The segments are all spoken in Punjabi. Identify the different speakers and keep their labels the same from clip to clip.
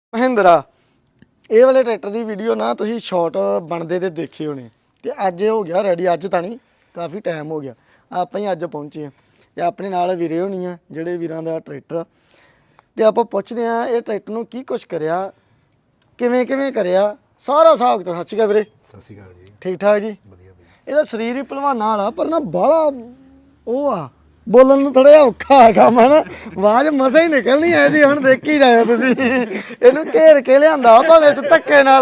Speaker 1: ਮਹਿੰਦਰਾ ਇਹ ਵਾਲੇ ਟਰੈਕਟਰ ਦੀ ਵੀਡੀਓ ਨਾ ਤੁਸੀਂ ਸ਼ਾਰਟ ਬਣਦੇ ਤੇ ਦੇਖੇ ਹੋਣੇ ਤੇ ਅੱਜ ਇਹ ਹੋ ਗਿਆ ਰੈਡੀ। ਅੱਜ ਤਾਂ ਨਹੀਂ, ਕਾਫੀ ਟਾਈਮ ਹੋ ਗਿਆ, ਆਪਾਂ ਹੀ ਅੱਜ ਪਹੁੰਚੇ ਆ ਤੇ ਆਪਣੇ ਨਾਲ ਵੀਰੇ ਹੋਣੀ ਆ ਜਿਹੜੇ ਵੀਰਾਂ ਦਾ ਟਰੈਕਟਰ ਤੇ ਆਪਾਂ ਪੁੱਛਦੇ ਆ ਇਹ ਟਰੈਕਟਰ ਨੂੰ ਕੀ ਕੁਛ ਕਰਿਆ, ਕਿਵੇਂ ਕਰਿਆ, ਸਾਰਾ ਹਿਸਾਬ ਤਾਂ। ਸੱਚ ਗਿਆ ਵੀਰੇ,
Speaker 2: ਸਤਿ ਸ਼੍ਰੀ ਅਕਾਲ ਜੀ।
Speaker 1: ਠੀਕ ਠਾਕ ਜੀ,
Speaker 2: ਵਧੀਆ ਬਈ।
Speaker 1: ਇਹਦਾ ਸਰੀਰ ਹੀ ਭਲਵਾਨਾਂ ਵਾਲਾ ਪਰ ਨਾ ਬਾਹਲਾ ਉਹ ਆ, ਬੋਲਣ ਨੂੰ ਥੋੜਾ ਜਿਹਾ ਔਖਾ ਹੈ ਕੰਮ ਹੈ ਨਾ, ਆਵਾਜ਼ ਮਸਾ ਹੀ ਨਿਕਲਣੀ ਐ ਜੀ। ਹੁਣ ਦੇਖੀ ਜਾਇਓ ਤੁਸੀਂ, ਇਹਨੂੰ ਘੇਰ ਕੇ ਲਿਆਂਦਾ ਭਾਵੇਂ ਚ ਧੱਕੇ ਨਾਲ।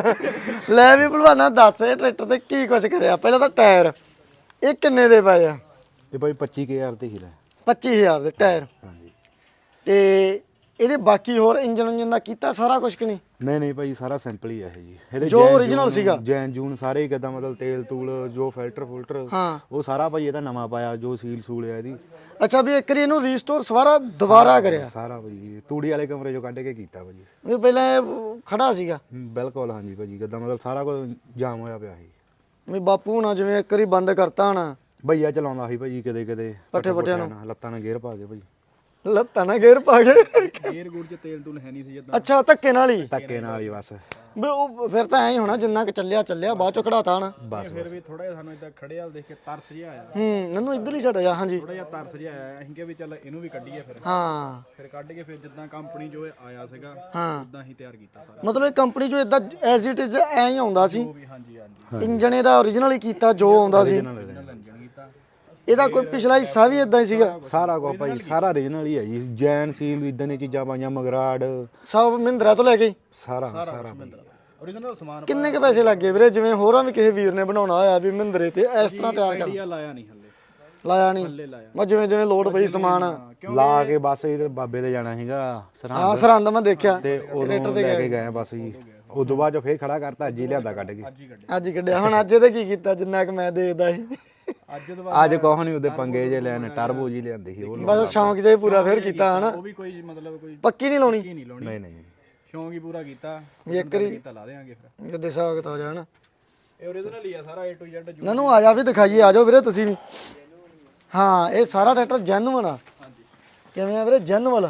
Speaker 1: ਲੈ ਵੀ ਭਲਵਾਨਾ ਦੱਸ ਇਹ ਟਰੈਕਟਰ ਤੇ ਕੀ ਕੁਛ ਕਰਿਆ। ਪਹਿਲਾਂ ਤਾਂ ਟਾਇਰ ਇਹ ਕਿੰਨੇ ਦੇ ਪਏ ਆ?
Speaker 2: ਇਹ ਭਾਈ 25000 ਤੇ ਹੀ ਲੈ
Speaker 1: 25000 ਦੇ ਟਾਇਰ।
Speaker 2: ਹਾਂਜੀ।
Speaker 1: ਤੇ ਇਹਦੇ ਬਾਕੀ ਹੋਰ ਇੰਜਨ ਦਾ ਕੀਤਾ ਸਾਰਾ ਕੁਝ ਕਿ ਨਹੀਂ?
Speaker 2: ਨਹੀਂ ਭਾਈ ਸਾਰਾ ਸਿੰਪਲ ਹੀ ਆ ਇਹ ਜੀ। ਇਹਦੇ
Speaker 1: ਜੋ origignal ਸੀਗਾ
Speaker 2: ਜੈਨ ਜੂਨ ਸਾਰੇ ਹੀ ਕਿਦਾਂ ਮਤਲਬ ਤੇਲ ਤੂਲ ਜੋ ਫਿਲਟਰ
Speaker 1: ਹਾਂ
Speaker 2: ਉਹ ਸਾਰਾ ਭਾਈ ਇਹਦਾ ਨਵਾਂ ਪਾਇਆ, ਜੋ ਸੀਲ ਸੂਲ ਆ ਇਹਦੀ।
Speaker 1: ਅੱਛਾ ਵੀ ਇੱਕ ਵਾਰੀ ਇਹਨੂੰ ਰੀਸਟੋਰ ਸਵਾਰਾ ਦੁਬਾਰਾ ਕਰਿਆ
Speaker 2: ਸਾਰਾ ਭਾਈ ਤੂੜੀ ਵਾਲੇ ਕਮਰੇ ਚੋਂ ਕੱਢ ਕੇ ਕੀਤਾ ਭਾਜੀ।
Speaker 1: ਵੀ ਪਹਿਲਾਂ ਇਹ ਖੜਾ ਸੀਗਾ?
Speaker 2: ਬਿਲਕੁਲ ਹਾਂਜੀ ਭਾਜੀ, ਕਿਦਾਂ ਮਤਲਬ ਸਾਰਾ ਕੁਝ ਜਾਮ ਹੋਇਆ ਪਿਆ ਸੀ।
Speaker 1: ਵੀ ਬਾਪੂ ਹੁਣਾ ਜਿਵੇਂ ਇੱਕ ਵਾਰੀ ਬੰਦ ਕਰਤਾ ਹਣਾ,
Speaker 2: ਭਈਆ ਚਲਾਉਂਦਾ ਸੀ ਭਾਜੀ ਕਿਤੇ
Speaker 1: ਪੱਠੇ ਪੁੱਠਿਆਂ ਨੂੰ
Speaker 2: ਲੱਤਾਂ ਨਾਲ ਗੇਅਰ ਪਾ ਕੇ ਭਾਜੀ।
Speaker 1: ਲੱਤਾਂ ਨਾਲ ਗੇਅਰ ਪਾ ਕੇ?
Speaker 2: ਗੇਅਰ ਗੂਰ ਚ ਤੇਲ ਤੂਲ ਹੈ ਨਹੀਂ ਸੀ ਜਦਾਂ।
Speaker 1: ਅੱਛਾ ਧੱਕੇ ਨਾਲ ਹੀ?
Speaker 2: ਧੱਕੇ ਨਾਲ ਹੀ ਬਸ।
Speaker 1: ਵੀ ਉਹ ਫਿਰ ਤਾਂ ਐਂ ਹੀ ਹੋਣਾ ਜਿੰਨਾ ਕਿ ਚੱਲਿਆ ਬਾਅਦ ਚੋਂ ਖੜਾਤਾ ਹਣਾ।
Speaker 2: ਬਸ
Speaker 3: ਫਿਰ ਵੀ ਥੋੜਾ ਜਿਹਾ ਸਾਨੂੰ ਇਦਾਂ ਖੜੇ ਹਾਲ ਦੇਖ ਕੇ ਤਰਸ ਜਿਹਾ ਆਇਆ।
Speaker 1: ਮੈਨੂੰ ਇੱਧਰ ਹੀ ਛੱਡ ਜਾ। ਹਾਂਜੀ
Speaker 3: ਥੋੜਾ ਜਿਹਾ ਤਰਸ ਜਿਹਾ ਆਇਆ, ਅਸੀਂ ਕਿਹਾ ਵੀ ਚੱਲ ਇਹਨੂੰ ਵੀ ਕੱਢੀਏ।
Speaker 1: ਹਾਂ
Speaker 3: ਫਿਰ ਕੱਢ ਕੇ ਫਿਰ ਜਿੱਦਾਂ ਕੰਪਨੀ ਜੋ ਆਇਆ ਸੀਗਾ
Speaker 1: ਹਾਂ,
Speaker 3: ਉਦਾਂ ਹੀ ਤਿਆਰ ਕੀਤਾ ਸਾਰਾ।
Speaker 1: ਮਤਲਬ ਇਹ ਕੰਪਨੀ ਚੋਂ ਇਦਾਂ ਐਜ਼ ਇਟ ਇਜ਼ ਐਂ ਹੀ ਆਉਂਦਾ ਸੀ?
Speaker 3: ਵੀ ਹਾਂਜੀ
Speaker 1: ਇੰਜਣ ਇਹਦਾ ਓਰੀਜਨਲ ਹੀ ਕੀਤਾ ਜੋ ਆਉਂਦਾ ਸੀ?
Speaker 3: ਇੰਜਣ ਕੀਤਾ।
Speaker 1: ਇਹਦਾ ਕੋਈ ਪਿਛਲਾ ਹਿੱਸਾ ਵੀ ਇਦਾਂ ਹੀ ਸੀਗਾ?
Speaker 2: ਸਾਰਾ ਕੁਝ ਭਾਈ ਸਾਰਾ ਓਰੀਜਨਲ ਹੀ ਹੈ ਜੀ। ਜੈਨ ਸੀਲ ਇਦਾਂ ਦੀਆਂ ਚੀਜ਼ਾਂ ਪਾਈਆਂ, ਮਗਰਾੜ
Speaker 1: ਸਭ ਮਹਿੰਦਰਾ ਤੋਂ ਲੈ ਕੇ?
Speaker 2: ਸਾਰਾ ਭਾਈ।
Speaker 3: ਓਰੀਜਨਲ ਸਮਾਨ।
Speaker 1: ਕਿੰਨੇ ਕੇ ਪੈਸੇ ਲੱਗੇ ਵੀਰੇ? ਜਿਵੇਂ ਹੋਰਾਂ ਵੀ ਕਿਸੇ ਵੀਰ ਨੇ ਬਣਾਉਣਾ ਹੋਇਆ ਵੀ ਮਹਿੰਦਰੇ ਤੇ ਇਸ ਤਰ੍ਹਾਂ ਤਿਆਰ ਕਰ
Speaker 3: ਆਈਡੀਆ ਲਾਇਆ ਨਹੀਂ ਹੱਲੇ।
Speaker 1: ਲਾਇਆ ਨਹੀਂ?
Speaker 3: ਲਾਇਆ
Speaker 1: ਮੈਂ ਜਿਵੇਂ ਲੋਡ ਪਈ ਸਮਾਨ
Speaker 2: ਲਾ ਕੇ ਬਸ ਇਹ ਬਾਬੇ ਦੇ ਜਾਣਾ ਸੀਗਾ ਸਰਹੰਦ।
Speaker 1: ਹਾਂ ਸਰਹੰਦ ਮੈਂ ਦੇਖਿਆ
Speaker 2: ਤੇ ਉਦੋਂ ਲੈ ਕੇ ਗਏ ਬਸ ਜੀ। ਉਦੋਂ ਬਾਅਦ ਫੇਰ ਖੜਾ ਕਰਤਾ, ਅੱਜ ਹੀ ਲਿਆਂਦਾ ਕੱਢ ਕੇ।
Speaker 1: ਅੱਜ ਹੀ ਕੱਢਿਆ। ਹੁਣ ਅੱਜ ਇਹਦੇ ਕੀ ਕੀਤਾ ਜਿੰਨਾ ਕਿ ਮੈਂ ਦੇਖਦਾ ਸੀ?
Speaker 2: ਅੱਜ ਕੋਹ ਨਹੀਂ ਉਹਦੇ ਪੰਗੇ ਜੇ ਲੈਣ, ਟਰਬੋ ਜੀ ਲਿਆਂਦੀ ਸੀ ਉਹ।
Speaker 1: ਬਸ ਸ਼ੌਂਕ ਜਿਹਾ ਪੂਰਾ ਫੇਰ ਕੀਤਾ ਹਨਾ?
Speaker 3: ਉਹ ਵੀ ਕੋਈ ਮਤਲਬ ਕੋਈ
Speaker 1: ਪੱਕੀ ਨਹੀਂ ਲਾਉਣੀ?
Speaker 2: ਨਹੀਂ
Speaker 3: ਸ਼ੌਂਕ ਹੀ ਪੂਰਾ ਕੀਤਾ
Speaker 1: ਵੀ ਇੱਕ ਵਾਰੀ
Speaker 3: ਤਾਂ ਲਾ ਦੇਾਂਗੇ ਫਿਰ।
Speaker 1: ਜਦੇ ਸਾਖਤ ਹੋ ਜਾਣਾ।
Speaker 3: ਇਹ ਓਰੀਜਨਲ ਹੀ ਆ ਸਾਰਾ A to Z।
Speaker 1: ਨਨੂੰ ਆ ਜਾ ਵੀ ਦਿਖਾਈਏ, ਆ ਜਾਓ ਵੀਰੇ ਤੁਸੀਂ ਵੀ। ਹਾਂ ਇਹ ਸਾਰਾ ਟਰੈਕਟਰ ਜੈਨੂਅਨ ਆ। ਕਿਵੇਂ ਆ ਵੀਰੇ? ਜੈਨੂਅਲ।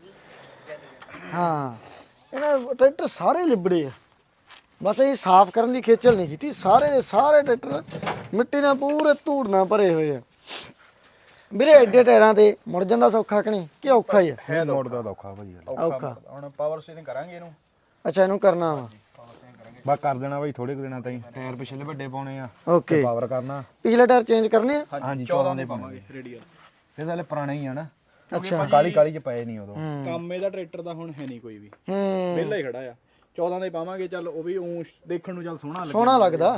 Speaker 1: ਹਾਂ ਇਹਨਾਂ ਟਰੈਕਟਰ ਸਾਰੇ ਲਿਬੜੇ ਆ, ਬਸ ਇਹ ਸਾਫ਼ ਕਰਨ ਦੀ ਖੇਚਲ ਨਹੀਂ ਕੀਤੀ। ਸਾਰੇ ਦੇ ਸਾਰੇ ਟਰੈਕਟਰ ਮਿੱਟੀ ਨਾਲ ਪੂਰੇ ਧੂੜ ਨਾਲ ਭਰੇ ਹੋਏ ਆ ਵੀਰੇ। ਐਡੇ ਟਾਇਰਾਂ ਤੇ ਮੁੜ ਜਾਂਦਾ ਸੌਖਾ ਕਿ ਨਹੀਂ? ਕਿ ਔਖਾ ਹੀ ਆ?
Speaker 2: ਹੈ ਮੋੜ ਦਾ ਔਖਾ ਭਾਜੀ।
Speaker 1: ਔਖਾ।
Speaker 3: ਹੁਣ ਪਾਵਰ ਸਟੀਅਰਿੰਗ ਕਰਾਂਗੇ ਇਹਨੂੰ।
Speaker 1: ਅੱਛਾ ਇਹਨੂੰ ਕਰਨਾ ਵਾ?
Speaker 2: ਬਸ ਕਰ ਦੇਣਾ ਭਾਈ ਥੋੜੇ ਕੁ ਦਿਨਾਂ ਤਾਈਂ। ਟਾਇਰ ਪਿਛਲੇ ਵੱਡੇ ਪਾਉਣੇ ਆ,
Speaker 1: ਓਕੇ।
Speaker 2: ਪਾਵਰ ਕਰਨਾ।
Speaker 1: ਪਿਛਲੇ ਟਾਇਰ ਚੇਂਜ ਕਰਨੇ ਆ?
Speaker 2: ਹਾਂਜੀ 14 ਦੇ
Speaker 3: ਪਾਵਾਂਗੇ ਰੇਡੀਅਲ।
Speaker 2: ਇਹ ਤਾਂ ਹਲੇ ਪੁਰਾਣੇ ਹੀ ਆ ਨਾ।
Speaker 1: ਅੱਛਾ
Speaker 2: ਕਾਲੀ ਚ ਪਏ ਨਹੀਂ ਉਦੋਂ।
Speaker 3: ਕੰਮ ਇਹਦਾ ਟਰੈਕਟਰ ਦਾ ਹੁਣ ਹੈ ਨਹੀਂ ਕੋਈ ਵੀ,
Speaker 1: ਹੂੰ
Speaker 3: ਵਿਹਲਾ ਹੀ ਖੜਾ ਆ। 14 ਦੇ ਪਾਵਾਂਗੇ, ਚੱਲ ਉਹ ਵੀ ਦੇਖਣ ਨੂੰ ਚੱਲ
Speaker 1: ਸੋਹਣਾ ਲੱਗਦਾ।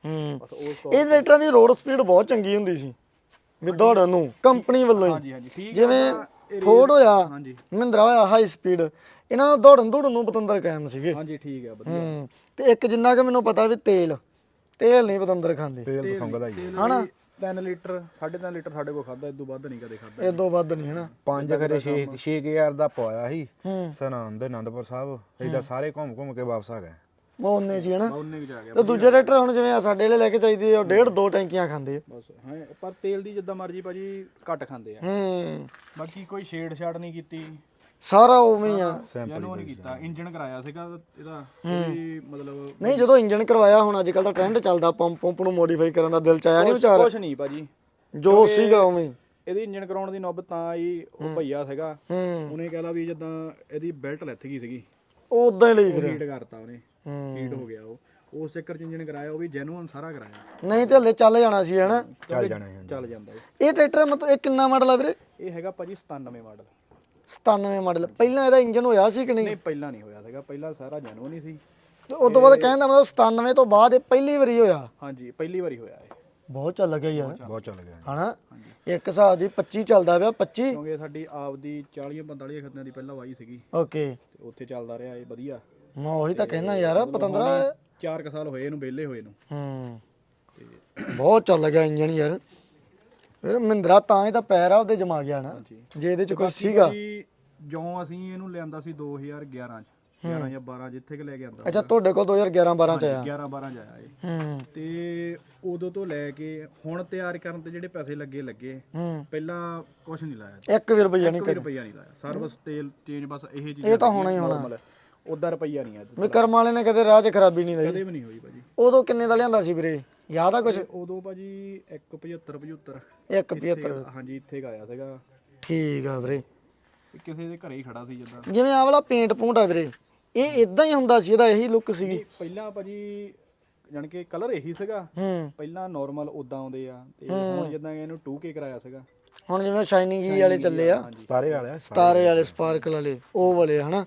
Speaker 1: ਇਹ ਟਰੈਕਟਰਾਂ ਦੀ ਰੋਡ ਸਪੀਡ ਬਹੁਤ ਚੰਗੀ ਹੁੰਦੀ ਸੀ ਵੀ ਦੌੜਨ ਨੂੰ ਕੰਪਨੀ ਵੱਲੋਂ ਹੀ।
Speaker 3: ਹਾਂਜੀ ਠੀਕ।
Speaker 1: ਜਿਵੇਂ ਫੋਰਡ ਹੋਇਆ, ਮਹਿੰਦਰਾ ਹੋਇਆ ਹਾਈ ਸਪੀਡ, ਇਹਨਾਂ ਨੂੰ ਦੌੜਨ ਨੂੰ ਪਤੰਦਰ ਕਾਇਮ ਸੀਗੇ।
Speaker 3: ਹਾਂਜੀ ਠੀਕ ਆ ਵਧੀਆ।
Speaker 1: ਤੇ ਇੱਕ ਜਿੰਨਾ ਕਿ ਮੈਨੂੰ ਪਤਾ ਵੀ ਤੇਲ ਨਹੀਂ ਪਤੰਦਰ ਖਾਂਦੇ।
Speaker 2: ਤੇਲ ਤਾਂ ਸੰਗਦਾ ਹੀ
Speaker 3: ਹਨਾ। 3 ਲੀਟਰ 3.5 ਲੀਟਰ ਸਾਡੇ ਕੋਲ ਖਾਦਾ, ਇਦੋਂ ਵੱਧ ਨਹੀਂ ਕਦੇ ਖਾਦਾ।
Speaker 1: ਇਦੋਂ ਵੱਧ ਨਹੀਂ ਹਨਾ।
Speaker 2: 5 ਖਰੇ 6000 ਦਾ ਪਵਾਇਆ ਸੀ ਸਰਹੰਦ ਦੇ ਆਨੰਦਪੁਰ ਸਾਹਿਬ। ਏਦਾਂ ਸਾਰੇ ਘੁੰਮ ਕੇ ਵਾਪਸ ਆ ਗਏ।
Speaker 1: ਉਹ ਉਹਨੇ ਸੀ ਹਨਾ।
Speaker 3: ਉਹਨੇ ਵੀ ਆ ਗਿਆ।
Speaker 1: ਤੇ ਦੂਜੇ ਟਰੈਕਟਰ ਹੁਣ ਜਿਵੇਂ ਆ ਸਾਡੇ ਵਾਲੇ ਲੈ ਕੇ ਚਾਹੀਦੀ ਉਹ 1.5-2 ਟੈਂਕੀਆਂ ਖਾਂਦੇ ਆ
Speaker 3: ਬਸ। ਹਾਂ ਪਰ ਤੇਲ ਦੀ ਜਿੱਦਾਂ ਮਰਜੀ ਭਾਜੀ ਘੱਟ ਖਾਂਦੇ ਆ। ਬਾਕੀ ਕੋਈ ਛੇੜ ਛਾੜ ਨਹੀਂ ਕੀਤੀ,
Speaker 1: ਸਾਰਾ ਉਵੇਂ ਹੀ ਆ।
Speaker 3: ਇਹਨੂੰ ਨਹੀਂ ਕੀਤਾ। ਇੰਜਨ ਕਰਾਇਆ ਸੀਗਾ ਇਹਦਾ, ਕੋਈ ਮਤਲਬ
Speaker 1: ਨਹੀਂ ਜਦੋਂ ਇੰਜਨ ਕਰਵਾਇਆ, ਹੁਣ ਅੱਜ ਕੱਲ ਦਾ ਟ੍ਰੈਂਡ ਚੱਲਦਾ ਪੰਪ ਨੂੰ ਮੋਡੀਫਾਈ ਕਰਨ ਦਾ, ਦਿਲ ਚ ਆਇਆ ਨਹੀਂ ਵਿਚਾਰ?
Speaker 3: ਕੁਛ ਨਹੀਂ ਭਾਜੀ,
Speaker 1: ਜੋ ਸੀਗਾ ਉਵੇਂ ਹੀ।
Speaker 3: ਇਹਦੀ ਇੰਜਨ ਕਰਾਉਣ ਦੀ ਨੌਬਤ ਤਾਂ ਆਈ, ਉਹ ਭਈਆ ਸੀਗਾ ਉਹਨੇ ਕਹਿਲਾ ਵੀ ਜਿੱਦਾਂ ਇਹਦੀ ਬੈਲਟ ਲੱਥ ਗਈ ਸੀਗੀ,
Speaker 1: ਉਦਾਂ ਹੀ ਲਈ ਫਿਰ
Speaker 3: ਹੀਟ ਕਰਤਾ ਉਹਨੇ, ਹੀਟ ਹੋ ਗਿਆ ਉਹ। ਉਸ ਚੱਕਰ ਚ ਇੰਜਨ ਕਰਾਇਆ, ਉਹ ਵੀ ਜੈਨੂਅਨ ਸਾਰਾ ਕਰਾਇਆ।
Speaker 1: ਨਹੀਂ ਤੇ ਹਲੇ ਚੱਲ ਜਾਣਾ ਸੀ ਹਨਾ।
Speaker 2: ਚੱਲ ਜਾਣਾ
Speaker 3: ਚੱਲ ਜਾਂਦਾ
Speaker 1: ਇਹ ਟਰੈਕਟਰ ਮਤਲਬ ਇਹ ਕਿੰਨਾ ਮਾਡਲ ਆ ਵੀਰੇ?
Speaker 3: ਇਹ ਹੈਗਾ ਭਾਜੀ 97 ਮਾਡਲ।
Speaker 1: 97 ਮਾਡਲ। ਪਹਿਲਾਂ ਇਹਦਾ ਇੰਜਨ ਹੋਇਆ ਸੀ ਕਿ ਨਹੀਂ?
Speaker 3: ਨਹੀਂ ਪਹਿਲਾਂ ਨਹੀਂ ਹੋਇਆ ਸੀਗਾ, ਪਹਿਲਾਂ ਸਾਰਾ ਜੈਨੂਅਨ ਹੀ ਸੀ।
Speaker 1: ਤੇ ਉਸ ਤੋਂ ਬਾਅਦ ਕਹਿੰਦਾ ਮਤਲਬ 97 ਤੋਂ ਬਾਅਦ ਇਹ ਪਹਿਲੀ ਵਾਰੀ ਹੋਇਆ?
Speaker 3: ਹਾਂਜੀ ਪਹਿਲੀ ਵਾਰੀ ਹੋਇਆ ਇਹ।
Speaker 1: ਬਹੁਤ ਚੱਲ ਗਿਆ ਯਾਰ,
Speaker 2: ਬਹੁਤ ਚੱਲ ਗਿਆ
Speaker 1: ਹਨਾ। ਇੱਕ ਹਿਸਾਬ ਦੀ 25 ਚੱਲਦਾ ਪਿਆ। 25
Speaker 3: ਕਿਉਂਕਿ ਸਾਡੀ ਆਪਦੀ 40-45 ਖੱਤਿਆਂ ਦੀ ਪਹਿਲਾਂ ਵਾਈ ਸੀਗੀ
Speaker 1: ਓਕੇ।
Speaker 3: ਤੇ ਉੱਥੇ ਚੱਲਦਾ ਰਿਹਾ ਇਹ ਵਧੀਆ।
Speaker 1: ਮੈਂ ਉਹੀ ਤਾਂ ਕਹਿਣਾ ਯਾਰ ਪਤੰਦਰਾ
Speaker 3: 4 ਸਾਲ ਹੋਏ ਇਹਨੂੰ ਵਿਹਲੇ ਹੋਏ ਨੂੰ।
Speaker 1: ਬਹੁਤ ਚੱਲ ਗਿਆ ਇੰਜਨ ਯਾਰ। ਫਿਰ ਮਹਿੰਦਰਾ ਤਾਂ ਹੀ ਤਾਂ ਪੈਰ ਆ ਉਹਦੇ ਜਮਾ ਗਿਆ ਨਾ, ਜੇ ਇਹਦੇ ਚ ਕੁਝ ਸੀਗਾ।
Speaker 3: ਜਿਉਂ ਅਸੀਂ ਇਹਨੂੰ ਲਿਆਂਦਾ ਸੀ 2011 ਚ, 11 ਜਾਂ 12 ਜਿੱਥੇ ਕਿ ਲੈ ਕੇ ਆਂਦਾ।
Speaker 1: ਅੱਛਾ ਤੁਹਾਡੇ ਕੋਲ 2011-12 ਚ ਆਇਆ?
Speaker 3: 11-12 ਚ ਆਇਆ ਇਹ। ਤੇ ਉਦੋਂ ਤੋਂ ਲੈ ਕੇ ਹੁਣ ਤਿਆਰ ਕਰਨ ਤੇ ਜਿਹੜੇ ਪੈਸੇ ਲੱਗੇ ਪਹਿਲਾਂ ਕੁਝ ਨਹੀਂ ਲਾਇਆ।
Speaker 1: 1 ਵੀ ਰੁਪਈਆ ਨਹੀਂ
Speaker 3: ਰੁਪਈਆ ਨਹੀਂ ਲਾਇਆ। ਸਰਵਿਸ ਤੇਲ ਚੇਂਜ ਬਸ ਇਹ ਚੀਜ਼।
Speaker 1: ਇਹ ਤਾਂ ਹੋਣਾ ਹੀ ਹੋਣਾ।
Speaker 3: ਉਦਾਂ ਰੁਪਈਆ ਨਹੀਂ ਅੱਜ
Speaker 1: ਵੀ ਕਰਮ ਵਾਲੇ ਨੇ ਕਦੇ ਰਾਹ 'ਚ ਖਰਾਬੀ ਨਹੀਂ ਲਈ।
Speaker 3: ਕਦੇ ਵੀ ਨਹੀਂ ਹੋਈ ਭਾਜੀ।
Speaker 1: ਉਦੋਂ ਕਿੰਨੇ ਦਾ ਲਿਆਂਦਾ ਸੀ ਵੀਰੇ, ਯਾਦ ਆ ਕੁਛ?
Speaker 3: ਉਦੋਂ ਭਾਜੀ 175
Speaker 1: 175
Speaker 3: ਹਾਂਜੀ ਇੱਥੇ ਆਇਆ ਸੀਗਾ।
Speaker 1: ਠੀਕ ਆ ਵੀਰੇ।
Speaker 3: ਕਿਸੇ ਦੇ ਘਰੇ ਹੀ ਖੜਾ ਸੀ ਜਿੱਦਾਂ।
Speaker 1: ਜਿਵੇਂ ਆਹ ਵਾਲਾ ਪੇਂਟ ਪੂੰਟ ਆ ਵੀਰੇ, ਇਹ ਇਦਾਂ ਹੀ ਹੁੰਦਾ ਸੀ, ਇਹਦਾ ਇਹੀ ਲੁੱਕ ਸੀਗੀ?
Speaker 3: ਪਹਿਲਾਂ ਭਾਜੀ ਜਾਣੀ ਕਿ ਕਲਰ ਇਹੀ ਸੀਗਾ।
Speaker 1: ਹੂੰ।
Speaker 3: ਪਹਿਲਾਂ ਨਾਰਮਲ ਉਦਾਂ ਆਉਂਦੇ ਆ ਤੇ ਹੁਣ ਜਿੱਦਾਂ ਇਹਨੂੰ 2K ਕਰਾਇਆ ਸੀਗਾ।
Speaker 1: ਹੁਣ ਜਿਵੇਂ ਸ਼ਾਈਨਿੰਗ ਜੀ ਵਾਲੇ ਚੱਲੇ ਆ,
Speaker 2: ਸਤਾਰੇ ਵਾਲੇ
Speaker 1: ਸਤਾਰੇ ਵਾਲੇ, ਸਪਾਰਕਲ ਵਾਲੇ, ਉਹ ਵਾਲੇ ਹਨਾ।